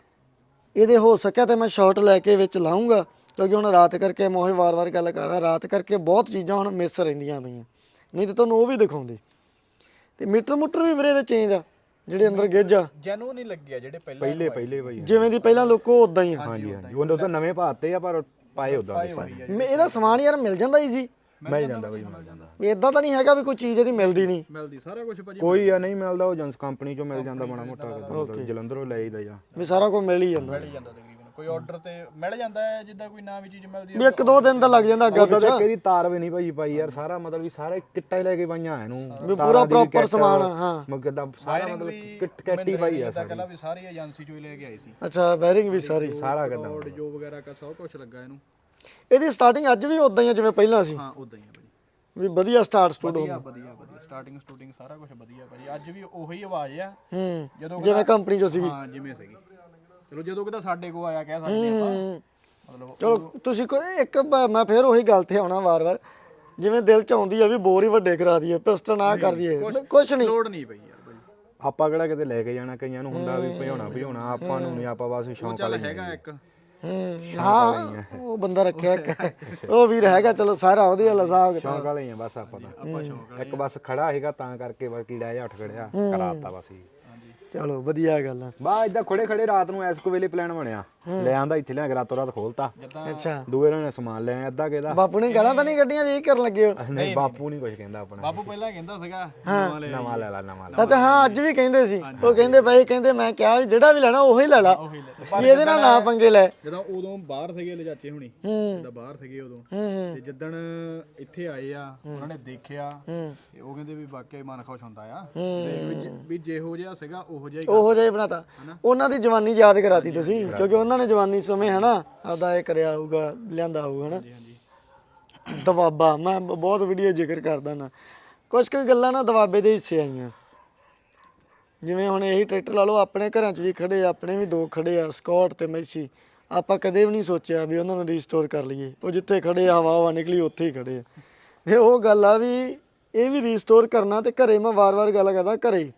Speaker 1: ਇਹਦੇ ਹੋ ਸਕਿਆ ਤੇ ਮੈਂ ਸ਼ਾਰਟ ਲੈ ਕੇ ਵਿੱਚ ਲਾਉਂਗਾ ਕਿਉਂਕਿ ਹੁਣ ਰਾਤ ਕਰਕੇ ਮੈਂ ਉਹ ਵਾਰ-ਵਾਰ ਗੱਲ ਕਰ ਰਿਹਾ ਰਾਤ ਕਰਕੇ ਬਹੁਤ ਚੀਜ਼ਾਂ ਹੁਣ ਮਿਸ ਰਹਿੰਦੀਆਂ ਪਈਆਂ ਨਹੀਂ ਤੇ ਤੁਹਾਨੂੰ ਉਹ ਵੀ ਦਿਖਾਉਂਦੇ ਤੇ ਮੀਟਰ ਮੂਟਰ ਵੀ ਵੀਰੇ ਦੇ ਚੇਂਜ ਆ ਜਿਹੜੇ ਅੰਦਰ ਗੇਜ ਆ
Speaker 3: ਜੈਨੂਨ ਨਹੀਂ ਲੱਗਿਆ ਜਿਹੜੇ
Speaker 2: ਪਹਿਲੇ ਭਾਈ
Speaker 1: ਜਿਵੇਂ ਦੀ ਪਹਿਲਾਂ ਲੋਕੋ ਉਦਾਂ ਹੀ ਆ
Speaker 2: ਹਾਂਜੀ ਉਹ ਤਾਂ ਨਵੇਂ ਪਾਤੇ ਆ ਪਰ ਪਾਏ ਉਦਾਂ ਦੇ ਸਾਰੇ
Speaker 1: ਇਹਦਾ ਸਮਾਨ ਯਾਰ ਮਿਲ ਜਾਂਦਾ ਈਜ਼ੀ
Speaker 2: ਮਿਲ ਜਾਂਦਾ ਭਾਈ ਮਿਲ ਜਾਂਦਾ
Speaker 1: ਇਦਾਂ ਤਾਂ ਨਹੀਂ ਹੈਗਾ ਵੀ ਕੋਈ ਚੀਜ਼ ਇਹਦੀ ਮਿਲਦੀ ਨਹੀਂ
Speaker 3: ਮਿਲਦੀ ਸਾਰਾ ਕੁਝ ਭਾਜੀ
Speaker 2: ਕੋਈ ਆ ਨਹੀਂ ਮਿਲਦਾ ਉਹ ਏਜੰਸ ਕੰਪਨੀ ਚੋਂ ਮਿਲ ਜਾਂਦਾ ਮਾੜਾ ਮੋਟਾ ਜਲੰਧਰੋਂ ਲੈ ਆਈਦਾ ਜਾਂ
Speaker 1: ਵੀ ਸਾਰਾ ਕੁਝ ਮਿਲ ਹੀ ਜਾਂਦਾ
Speaker 3: ਮਿਲ ਜਾਂਦਾ ਤਕਰੀਬਨ ਕੋਈ ਆਰਡਰ ਤੇ ਮਿਲ ਜਾਂਦਾ ਹੈ ਜਿੱਦਾਂ ਕੋਈ ਨਵੀਂ ਚੀਜ਼ ਮਿਲਦੀ
Speaker 1: ਵੀ 1-2 ਦਿਨ ਤਾਂ ਲੱਗ ਜਾਂਦਾ ਅੱਗਾ
Speaker 2: ਉਹਦਾ ਤਾਂ ਕਿਹਦੀ ਤਾਰ ਵੀ ਨਹੀਂ ਭਾਈ ਪਾਈ ਯਾਰ ਸਾਰਾ ਮਤਲਬ ਵੀ ਸਾਰੇ ਕਿੱਟਾਂ ਹੀ ਲੈ ਕੇ ਪਾਈਆਂ ਇਹਨੂੰ
Speaker 1: ਵੀ ਪੂਰਾ ਪ੍ਰੋਪਰ ਸਮਾਨ ਹਾਂ
Speaker 2: ਮਗਦਾ ਸਾਰਾ ਮਤਲਬ ਕਿੱਟ ਕੈਟੀ ਪਾਈ ਆ
Speaker 3: ਕਹਿੰਦਾ ਵੀ ਸਾਰੀ ਏਜੰਸੀ ਚੋਂ ਹੀ ਲੈ ਕੇ ਆਏ ਸੀ
Speaker 1: ਅੱਛਾ ਵਾਇਰਿੰਗ ਵੀ ਸਾਰੀ
Speaker 2: ਸਾਰਾ ਕਿਦਾਂ
Speaker 3: ਕੋਡ ਜੋ ਵਗੈਰਾ ਕਾ ਸਭ ਕੁਝ ਲੱਗਾ ਇਹਨੂੰ
Speaker 1: ਇਹਦੀ ਸਟਾਰਟਿੰਗ ਅੱਜ ਵੀ ਉਦਾਂ ਹੀ ਆ ਜਿਵੇਂ ਪਹਿਲਾਂ ਸੀ
Speaker 3: ਹਾਂ ਉਦਾਂ ਹੀ ਆ ਭਾਜੀ
Speaker 1: ਵੀ ਵਧੀਆ ਸਟਾਰਟ ਸਟੂਡੋ
Speaker 3: ਵਧੀਆ ਸਟਾਰਟਿੰਗ ਸਟੂਡਿੰਗ ਸਾਰਾ ਕੁਝ ਵਧੀਆ ਭਾਜੀ ਅੱਜ ਵੀ ਉਹੀ ਆਵਾਜ਼ ਆ ਜਦੋਂ
Speaker 1: ਜਿਵੇਂ ਕੰਪਨੀ ਚੋਂ ਸੀਗੀ
Speaker 3: ਹਾਂ ਜਿਵੇਂ ਸੀਗੀ ਚਲੋ ਜਦੋਂ ਕਿਤਾ ਸਾਡੇ ਕੋ ਆਇਆ ਕਹਿ ਸਕਦੇ ਆਪਾਂ ਮਤਲਬ
Speaker 1: ਚਲੋ ਤੁਸੀਂ ਕੋਈ ਇੱਕ ਮੈਂ ਫੇਰ ਉਹੀ ਗੱਲ ਤੇ ਆਉਣਾ ਵਾਰ-ਵਾਰ ਜਿਵੇਂ ਦਿਲ ਚ ਆਉਂਦੀ ਆ ਵੀ ਬੋਰ ਹੀ ਵੱਡੇ ਕਰਾ ਦਈਏ ਪਿਸਟਨ ਆ ਕਰ ਦਈਏ ਕੁਛ ਨਹੀਂ
Speaker 3: ਲੋੜ ਨਹੀਂ ਪਈ ਯਾਰ ਭਾਈ
Speaker 2: ਆਪਾਂ ਕਿਹੜਾ ਕਿਤੇ ਲੈ ਕੇ ਜਾਣਾ, ਕਈਆਂ ਨੂੰ ਹੁੰਦਾ ਵੀ ਭਜਾਉਣਾ ਆਪਾਂ ਨੂੰ ਨਹੀਂ, ਆਪਾਂ ਬਸ ਸ਼ੌਂਕ ਵਾਲੇ
Speaker 3: ਹੈਗਾ ਇੱਕ
Speaker 1: ਹਾਂ ਉਹ ਬੰਦਾ ਰੱਖਿਆ ਇੱਕ ਉਹ ਵੀਰ ਹੈਗਾ, ਚਲੋ ਸਾਰਾ ਉਹਦੇ ਵਾਲਾ ਹਿਸਾਬ
Speaker 2: ਸ਼ੌਂਕ ਵਾਲੇ ਹੀ ਆ ਬਸ ਆਪਾਂ ਤਾਂ। ਇੱਕ ਬਸ ਖੜਾ ਹੈਗਾ ਤਾਂ ਕਰਕੇ ਬਸ ਕੀੜਾ ਜਿਹਾ ਉੱਠ ਖੜਿਆ ਕਰਾਤਾ ਬਸ ਜੀ।
Speaker 1: ਚਲੋ ਵਧੀਆ ਗੱਲ ਆ।
Speaker 2: ਬਾ ਇਦਾਂ ਖੜੇ ਰਾਤ ਨੂੰ ਐਸ ਕੋ ਵੇਲੇ ਪਲਾਨ ਬਣਿਆ, ਲੈ ਆਂਦਾ ਇੱਥੇ ਲਿਆ ਕੇ ਰਾਤੋਂ ਰਾਤ ਖੋਲਤਾ।
Speaker 1: ਅੱਛਾ
Speaker 2: ਦੂਏ ਨੇ ਸਮਾਨ ਲੈ ਆਇਆ ਅੱਧਾ ਕਿਹਦਾ।
Speaker 1: ਬਾਪੂ ਨੇ ਗਾਲਾਂ ਤਾਂ ਨਹੀਂ ਕੱਢੀਆਂ ਵੀ ਇਹ ਕਰਨ ਲੱਗੇ ਹੋ?
Speaker 2: ਨਹੀਂ ਬਾਪੂ ਨਹੀਂ ਕੁਝ ਕਹਿੰਦਾ ਆਪਣਾ,
Speaker 3: ਬਾਪੂ ਪਹਿਲਾਂ ਕਹਿੰਦਾ ਸੀਗਾ
Speaker 2: ਨਵਾਂ ਲੈ ਲਾ ਨਵਾਂ ਲੈ।
Speaker 1: ਸੱਚ ਹਾਂ ਅੱਜ ਵੀ ਕਹਿੰਦੇ ਸੀ, ਉਹ ਕਹਿੰਦੇ ਬਾਈ ਕਹਿੰਦੇ ਮੈਂ ਕਿਹਾ ਵੀ ਜਿਹੜਾ ਵੀ ਲੈਣਾ ਉਹੀ ਲੈ ਲਾ, ਵੀ ਇਹਦੇ ਨਾਲ ਨਾ ਪੰਗੇ ਲੈ।
Speaker 3: ਜਦੋਂ ਉਦੋਂ ਬਾਹਰ ਸੀਗੇ ਲਿਜਾਚੇ ਹੁਣੀ, ਜਦੋਂ ਬਾਹਰ ਸੀਗੇ ਉਦੋਂ, ਤੇ ਜਿੱਦਣ ਇੱਥੇ ਆਏ ਆ ਉਹਨਾਂ ਨੇ ਦੇਖਿਆ ਤੇ ਉਹ ਕਹਿੰਦੇ ਵੀ ਵਾਕਿਆ ਮਨ ਖੁਸ਼ ਹੁੰਦਾ ਆ, ਤੇ ਵੀ ਜਿਹੋ ਜਿਹਾ ਸੀਗਾ ਉਹੋ ਜਿਹਾ ਹੀ
Speaker 1: ਬਣਾਤਾ। ਉਹਨਾਂ ਦੀ ਜਵਾਨੀ ਯਾਦ ਕਰਾਤੀ ਤੁਸੀਂ, ਕਿਉਂਕਿ ਉਹਨਾਂ ਨੇ ਜਵਾਨੀ ਸਮੇਂ ਹਨਾ ਆਪਦਾ ਇਹ ਕਰਿਆ ਹੋਊਗਾ, ਲਿਆਂਦਾ ਹੋਊਗਾ ਹਨਾ ਦਵਾਬਾ। ਮੈਂ ਬਹੁਤ ਵੀਡੀਓ ਜ਼ਿਕਰ ਕਰਦਾ ਨਾ, ਕੁਝ ਕੁ ਗੱਲਾਂ ਨਾ ਦਵਾਬੇ ਦੇ ਹਿੱਸੇ ਆਈਆਂ। ਜਿਵੇਂ ਹੁਣ ਇਹੀ ਟਰੈਕਟਰ ਲਾ ਲਓ, ਆਪਣੇ ਘਰਾਂ 'ਚ ਵੀ ਖੜੇ ਆ, ਆਪਣੇ ਵੀ 2 ਖੜੇ ਆ ਸਕਾਟ ਤੇ ਮੈਸੀ। ਆਪਾਂ ਕਦੇ ਵੀ ਨਹੀਂ ਸੋਚਿਆ ਵੀ ਉਹਨਾਂ ਨੂੰ ਰੀਸਟੋਰ ਕਰ ਲਈਏ, ਉਹ ਜਿੱਥੇ ਖੜੇ ਆ ਹਵਾ ਨਿਕਲੀ ਉੱਥੇ ਹੀ ਖੜੇ ਆ। ਤੇ ਉਹ ਗੱਲ ਆ ਵੀ ਇਹ ਵੀ ਰੀਸਟੋਰ ਕਰਨਾ, ਤੇ ਘਰੇ ਮੈਂ ਵਾਰ-ਵਾਰ ਗੱਲ ਕਰਦਾ ਘਰੇ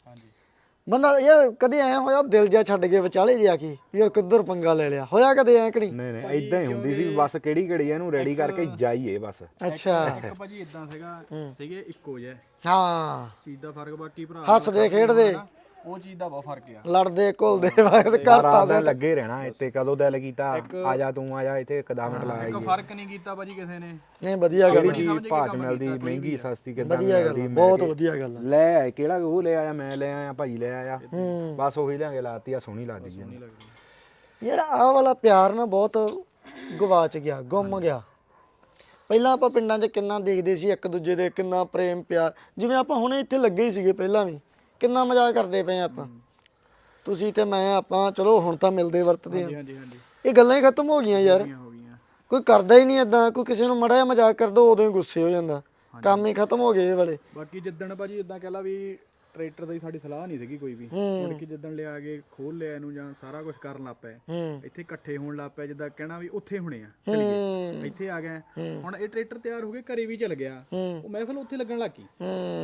Speaker 1: ਬੰਦਾ ਯਾਰ ਕਦੇ ਐ ਹੋਇਆ ਦਿਲ ਜਿਹਾ ਛੱਡ ਕੇ ਵਿਚਾਲੇ ਜਾ ਕੇ ਯਾਰ ਕਿੱਧਰ ਪੰਗਾ ਲੈ ਲਿਆ, ਹੋਇਆ ਕਦੇ ਐ ਕਿ ਨਹੀਂ?
Speaker 2: ਨਹੀਂ ਇਦਾਂ ਹੀ ਹੁੰਦੀ ਸੀ, ਬਸ ਕਿਹੜੀ ਇਹਨੂੰ ਰੈਡੀ ਕਰਕੇ ਜਾਈਏ ਬਸ।
Speaker 1: ਅੱਛਾ
Speaker 3: ਇੱਕ ਭਾਜੀ ਇਦਾਂ ਸੀਗੇ ਇੱਕੋ ਜਿਹਾ
Speaker 1: ਹਾਂ
Speaker 3: ਚੀਜ਼ ਦਾ ਫਰਕ, ਬਾਕੀ ਭਰਾ
Speaker 1: ਹੱਸਦੇ ਖੇਡਦੇ
Speaker 3: ਉਹ ਚੀਜ਼ ਦਾ ਬਹੁਤ ਫਰਕ ਆ,
Speaker 1: ਲੜਦੇ ਘੁਲਦੇ ਘਰ
Speaker 2: ਰਾਤ ਦਿਨ ਲੱਗੇ ਰਹਿਣਾ ਇੱਥੇ, ਕਦੋਂ ਦਿਲ ਕੀਤਾ ਆ ਜਾ ਤੂੰ ਆ ਜਾ ਇੱਥੇ ਇੱਕ 10 ਮਿੰਟ ਲਾਇਆ
Speaker 3: ਇੱਕ ਫਰਕ ਨਹੀਂ ਕੀਤਾ ਭਾਜੀ ਕਿਸੇ ਨੇ।
Speaker 1: ਨਹੀਂ ਵਧੀਆ ਗੱਲ
Speaker 2: ਕਿਹੜੀ ਚੀਜ਼ ਭਾਜ ਮਿਲਦੀ, ਮਹਿੰਗੀ ਸਸਤੀ ਕਿੱਦਾਂ ਮਿਲਦੀ,
Speaker 1: ਬਹੁਤ ਵਧੀਆ ਗੱਲ ਆ।
Speaker 2: ਲੈ ਆਏ ਕਿਹੜਾ ਉਹ ਲੈ ਆਇਆ, ਮੈਂ ਲੈ ਆਇਆ, ਭਾਈ ਲੈ ਆਇਆ, ਬਸ ਉਹੀ ਲਿਆ ਕੇ ਲਾਤੀ ਆ, ਸੋਹਣੀ ਲੱਗਦੀ ਜੀ
Speaker 1: ਯਾਰ ਆਹ ਵਾਲਾ ਪਿਆਰ ਨਾ ਬਹੁਤ ਗਵਾਚ ਗਿਆ, ਗੁੰਮ ਗਿਆ। ਪਹਿਲਾਂ ਆਪਾਂ ਪਿੰਡਾਂ 'ਚ ਕਿੰਨਾ ਦੇਖਦੇ ਸੀ ਇੱਕ ਦੂਜੇ ਦੇ, ਕਿੰਨਾ ਪ੍ਰੇਮ ਪਿਆਰ, ਜਿਵੇਂ ਆਪਾਂ ਹੁਣੇ ਇੱਥੇ ਲੱਗੇ ਹੀ ਸੀਗੇ ਪਹਿਲਾਂ ਵੀ ਕਿੰਨਾ ਮਜ਼ਾਕ ਕਰਦੇ ਪਏ ਆਪਾਂ, ਤੁਸੀਂ ਤੇ ਮੈਂ, ਆਪਾਂ ਚਲੋ ਹੁਣ ਤਾਂ ਮਿਲਦੇ ਵਰਤਦੇ ਆ। ਇਹ ਗੱਲਾਂ ਹੀ ਖਤਮ ਹੋ ਗਈਆਂ ਯਾਰ, ਕੋਈ ਕਰਦਾ ਹੀ ਨਹੀਂ ਏਦਾਂ, ਕੋਈ ਕਿਸੇ ਨੂੰ ਮਾੜਾ ਜਿਹਾ ਮਜ਼ਾਕ ਕਰ ਦੋ ਉਦੋਂ ਹੀ ਗੁੱਸੇ ਹੋ ਜਾਂਦਾ, ਕੰਮ ਹੀ ਖਤਮ ਹੋ ਗਏ ਇਹ ਵਾਲੇ।
Speaker 3: ਬਾਕੀ ਜਿੱਦਣ ਭਾਜੀ ਇਦਾਂ ਕਹਿ ਲਾ ਵੀ ਟਰੈਕਟਰ ਦੀ ਸਾਡੀ ਸਲਾਹ ਨਹੀਂ ਸੀਗੀ ਕੋਈ ਵੀ, ਮੁੜ ਕੇ ਜਿੱਦਣ ਲਿਆ ਕੇ ਖੋਲ ਲਿਆ ਇਹਨੂੰ ਜਾਂ ਸਾਰਾ ਕੁਝ ਕਰਨ ਲੱਗ ਪਏ, ਇੱਥੇ ਇਕੱਠੇ ਹੋਣ ਲੱਗ ਪਏ, ਜਿੱਦਾਂ ਕਹਿਣਾ ਵੀ ਉੱਥੇ ਹੋਣੇ ਆ, ਚਲੀਏ ਇੱਥੇ ਆ ਗਏ। ਹੁਣ ਇਹ ਟਰੈਕਟਰ ਤਿਆਰ ਹੋ ਕੇ ਘਰੇ ਵੀ ਚਲ ਗਿਆ, ਉਹ ਮਹਿਫਲ ਉੱਥੇ ਲੱਗਣ ਲੱਗ ਗਈ।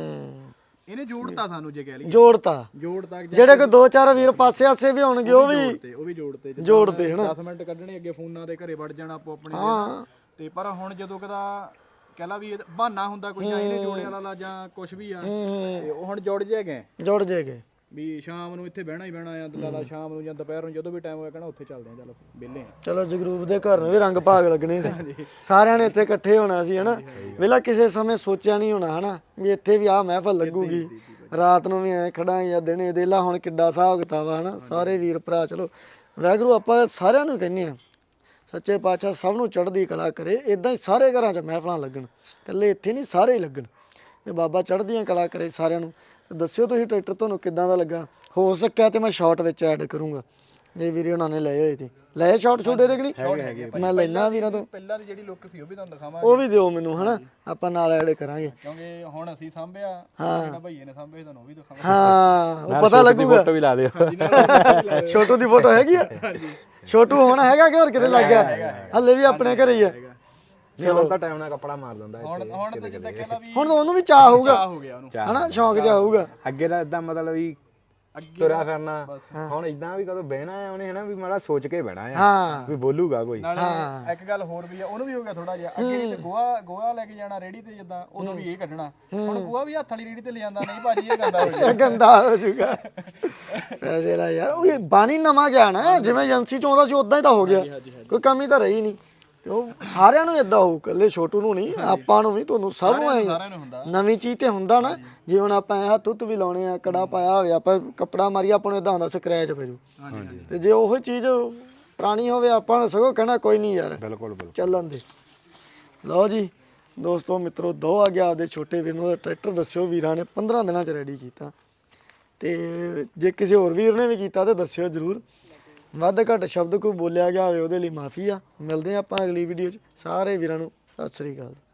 Speaker 3: ਇਹਨੇ ਜੋੜਤਾ ਸਾਨੂੰ, ਜੇ ਕਹਿ ਲਈਏ ਜੋੜਤਾ
Speaker 1: ਜਿਹੜੇ ਕੋਈ 2-4 ਵੀਰ ਪਾਸੇ ਆਸੇ ਵੀ ਹੋਣਗੇ ਉਹ ਵੀ ਜੋੜਤੇ ਹਨਾ,
Speaker 3: 10 ਮਿੰਟ ਕੱਢਣੇ ਅੱਗੇ ਫੋਨਾਂ ਦੇ ਘਰੇ ਵੜ ਜਾਣਾ ਆਪੋ ਆਪਣੇ ਤੇ। ਪਰ ਹੁਣ ਜਦੋਂ ਕਦਾ ਕਹਿ ਲਾ ਵੀ ਬਹਾਨਾ ਹੁੰਦਾ ਕੋਈ, ਜਾਂ ਇਹਨੇ ਜੋੜਿਆ ਵਾਲਾ ਜਾਂ ਕੁਝ ਵੀ ਆ, ਤੇ ਉਹ ਹੁਣ ਜੁੜ ਜਾਏਗੇ ਵੀ ਸ਼ਾਮ ਨੂੰ ਇੱਥੇ ਬਹਿਣਾ ਹੀ ਬਹਿਣਾ ਆ, ਦਲਾਲਾ ਸ਼ਾਮ ਨੂੰ ਜਾਂ ਦੁਪਹਿਰ ਨੂੰ ਜਦੋਂ ਵੀ ਟਾਈਮ ਹੋਇਆ ਕਹਿਣਾ ਉੱਥੇ ਚੱਲਦੇ ਆ, ਚੱਲ ਵਿਹਲੇ ਆ।
Speaker 1: ਚਲੋ ਜਗਰੂਪ ਦੇ ਘਰ ਨੂੰ ਵੀ ਰੰਗ ਭਾਗ ਲੱਗਣੇ ਸੀ, ਸਾਰਿਆਂ ਨੇ ਇੱਥੇ ਇਕੱਠੇ ਹੋਣਾ ਸੀ ਹਨਾ। ਵੇਲਾ ਕਿਸੇ ਸਮੇਂ ਸੋਚਿਆ ਨਹੀਂ ਹੋਣਾ ਹਨਾ ਵੀ ਇੱਥੇ ਵੀ ਆਹ ਮਹਿਫਲ ਲੱਗੂਗੀ, ਰਾਤ ਨੂੰ ਵੀ ਐ ਖੜਾ ਜਾਂ ਦਿਨੇ ਦੇਲਾ। ਹੁਣ ਕਿੱਡਾ ਹਿਸਾਬ ਕਿਤਾਬ ਆ ਹਨਾ, ਸਾਰੇ ਵੀਰ ਭਰਾ। ਚਲੋ ਵਾਹਿਗੁਰੂ ਆਪਾਂ ਸਾਰਿਆਂ ਨੂੰ ਕਹਿੰਦੇ ਆ, ਸੱਚੇ ਪਾਤਸ਼ਾਹ ਸਭ ਨੂੰ ਚੜ੍ਹਦੀ ਕਲਾ ਕਰੇ, ਇਦਾਂ ਹੀ ਸਾਰੇ ਘਰਾਂ 'ਚ ਮਹਿਫਲਾਂ ਲੱਗਣ, ਇਕੱਲੇ ਇੱਥੇ ਨਹੀਂ ਸਾਰੇ ਹੀ ਲੱਗਣ, ਤੇ ਬਾਬਾ ਚੜ੍ਹਦੀਆਂ ਕਲਾ ਕਰੇ ਸਾਰਿਆਂ ਨੂੰ। ਦੱਸਿਓ ਤੁਸੀਂ ਟਰੈਕਟਰ ਤੁਹਾਨੂੰ ਕਿੱਦਾਂ ਦਾ ਲੱਗਾ, ਹੋ ਸਕਿਆ ਤੇ ਮੈਂ ਸ਼ਾਰਟ ਵਿੱਚ ਐਡ ਕਰੂੰਗਾ, ਜੇ ਵੀਰੇ ਉਹਨਾਂ ਨੇ ਲਏ ਹੋਏ ਤੇ ਲਏ ਸ਼ਾਰਟ ਸ਼ੂਟ ਇਹਦੇ ਕਿ ਨਹੀਂ, ਮੈਂ ਲੈਣਾ ਵੀਰਾਂ ਤੋਂ।
Speaker 3: ਪਹਿਲਾਂ ਦੀ ਜਿਹੜੀ ਲੁੱਕ ਸੀ ਉਹ ਵੀ ਤੁਹਾਨੂੰ ਦਿਖਾਵਾਂਗੇ,
Speaker 1: ਉਹ ਵੀ ਦਿਓ ਮੈਨੂੰ ਹਨਾ, ਆਪਾਂ ਨਾਲ ਐਡ ਕਰਾਂਗੇ,
Speaker 3: ਕਿਉਂਕਿ ਹੁਣ ਅਸੀਂ ਸਾਂਭਿਆ, ਜਿਹੜਾ ਭਈਏ ਨੇ ਸਾਂਭੇ ਤੁਹਾਨੂੰ ਉਹ ਵੀ ਦਿਖਾਵਾਂਗੇ।
Speaker 1: ਹਾਂ ਉਹ ਪਤਾ ਲੱਗੂਗਾ,
Speaker 2: ਫੋਟੋ ਵੀ ਲਾ ਦਿਓ,
Speaker 1: ਛੋਟੂ ਦੀ ਫੋਟੋ ਹੈਗੀ ਆ, ਛੋਟੂ ਹੋਣਾ ਹੈਗਾ ਕਿ ਹੋਰ ਕਿਤੇ ਲੱਗ ਗਿਆ, ਹੱਲੇ ਵੀ ਆਪਣੇ ਘਰੇ ਹੀ ਆ।
Speaker 2: ਚਲੋ ਤਾਂ ਟਾਈਮ ਨਾਲ ਕੱਪੜਾ ਮਾਰ ਦਿੰਦਾ
Speaker 3: ਹੁਣ ਤਾਂ ਜਿੱਦਾਂ ਕਹਿੰਦਾ ਵੀ
Speaker 1: ਹੁਣ ਉਹਨੂੰ ਵੀ ਚਾਹ ਹੋਊਗਾ
Speaker 3: ਹੋ ਗਿਆ ਉਹਨੂੰ
Speaker 1: ਹਨਾ, ਸ਼ੌਂਕ ਜਿਹਾ ਹੋਊਗਾ।
Speaker 2: ਅੱਗੇ ਦਾ ਇਦਾਂ ਮਤਲਬ ਵੀ ਤੁਰਿਆ ਫਿਰਨਾ, ਹੁਣ ਇਦਾਂ ਵੀ ਕਦੋਂ ਬਹਿਣਾ ਆ ਉਹਨੇ ਹਨਾ, ਵੀ ਮਾੜਾ ਸੋਚ ਕੇ ਬਹਿਣਾ ਆ ਵੀ ਬੋਲੂਗਾ ਕੋਈ।
Speaker 3: ਨਾਲੇ ਇੱਕ ਗੱਲ ਹੋਰ ਵੀ ਆ, ਉਹਨੂੰ ਵੀ ਹੋ ਗਿਆ ਥੋੜਾ ਜਿਹਾ ਅੱਗੇ ਨਹੀਂ, ਤੇ ਗੋਹਾ ਲੈ ਕੇ ਜਾਣਾ ਰੇੜੀ ਤੇ, ਜਿੱਦਾਂ ਉਦੋਂ ਵੀ ਇਹ ਕੱਢਣਾ, ਹੁਣ ਗੋਹਾ ਵੀ ਹੱਥ ਵਾਲੀ ਰੇੜੀ ਤੇ ਲੈ ਜਾਂਦਾ, ਨਹੀਂ ਭਾਜੀ ਇਹ ਗੰਦਾ ਹੋ ਜਾਊਗਾ,
Speaker 1: ਗੰਦਾ ਹੋ ਜਾਊਗਾ। ਪੈਸੇ ਲਾ ਯਾਰ, ਉਹ ਇਹ ਬਾਣੀ ਨਵਾਂ ਗਿਆ ਨਾ, ਜਿਵੇਂ ਏਜੰਸੀ ਚ ਆਉਂਦਾ ਸੀ ਉਦਾਂ ਹੀ ਤਾਂ ਹੋ ਗਿਆ, ਕੋਈ ਕਮੀ ਤਾਂ ਰਹੀ ਨਹੀਂ। ਤੇ ਉਹ ਸਾਰਿਆਂ ਨੂੰ ਇਦਾਂ ਹੋਊ, ਇਕੱਲੇ ਛੋਟੂ ਨੂੰ ਨਹੀਂ, ਆਪਾਂ ਨੂੰ ਵੀ, ਤੁਹਾਨੂੰ ਸਭ ਨੂੰ ਐ ਨਵੀਂ ਚੀਜ਼ ਤੇ ਹੁੰਦਾ ਨਾ। ਜੇ ਹੁਣ ਆਪਾਂ ਹੱਥ ਹੁੱਥ ਵੀ ਲਾਉਣੇ ਆ, ਕੜਾ ਪਾਇਆ ਹੋਵੇ, ਆਪਾਂ ਕੱਪੜਾ ਮਾਰੀਏ, ਆਪਾਂ ਨੂੰ ਇਦਾਂ ਹੁੰਦਾ ਸਕ੍ਰੈਚ ਪੈ ਜੂ, ਤੇ ਜੇ ਉਹ ਚੀਜ਼ ਪੁਰਾਣੀ ਹੋਵੇ ਆਪਾਂ ਨੂੰ ਸਗੋਂ ਕਹਿਣਾ ਕੋਈ ਨਹੀਂ ਯਾਰ,
Speaker 2: ਬਿਲਕੁਲ
Speaker 1: ਚੱਲਣ ਦੇ। ਲਓ ਜੀ ਦੋਸਤੋ ਮਿੱਤਰੋ, ਦੋ ਆ ਗਿਆ ਆਪਦੇ ਛੋਟੇ ਵੀਰ ਨੂੰ ਟਰੈਕਟਰ। ਦੱਸਿਓ ਵੀਰਾਂ ਨੇ 15 ਦਿਨਾਂ 'ਚ ਰੈਡੀ ਕੀਤਾ, ਤੇ ਜੇ ਕਿਸੇ ਹੋਰ ਵੀਰ ਨੇ ਵੀ ਕੀਤਾ ਤਾਂ ਦੱਸਿਓ ਜ਼ਰੂਰ। ਵੱਧ ਘੱਟ ਸ਼ਬਦ ਕੋਈ ਬੋਲਿਆ ਗਿਆ ਹੋਵੇ ਉਹਦੇ ਲਈ ਮਾਫੀ ਆ। ਮਿਲਦੇ ਆ ਆਪਾਂ ਅਗਲੀ ਵੀਡੀਓ 'ਚ, ਸਾਰੇ ਵੀਰਾਂ ਨੂੰ ਸਤਿ ਸ੍ਰੀ ਅਕਾਲ।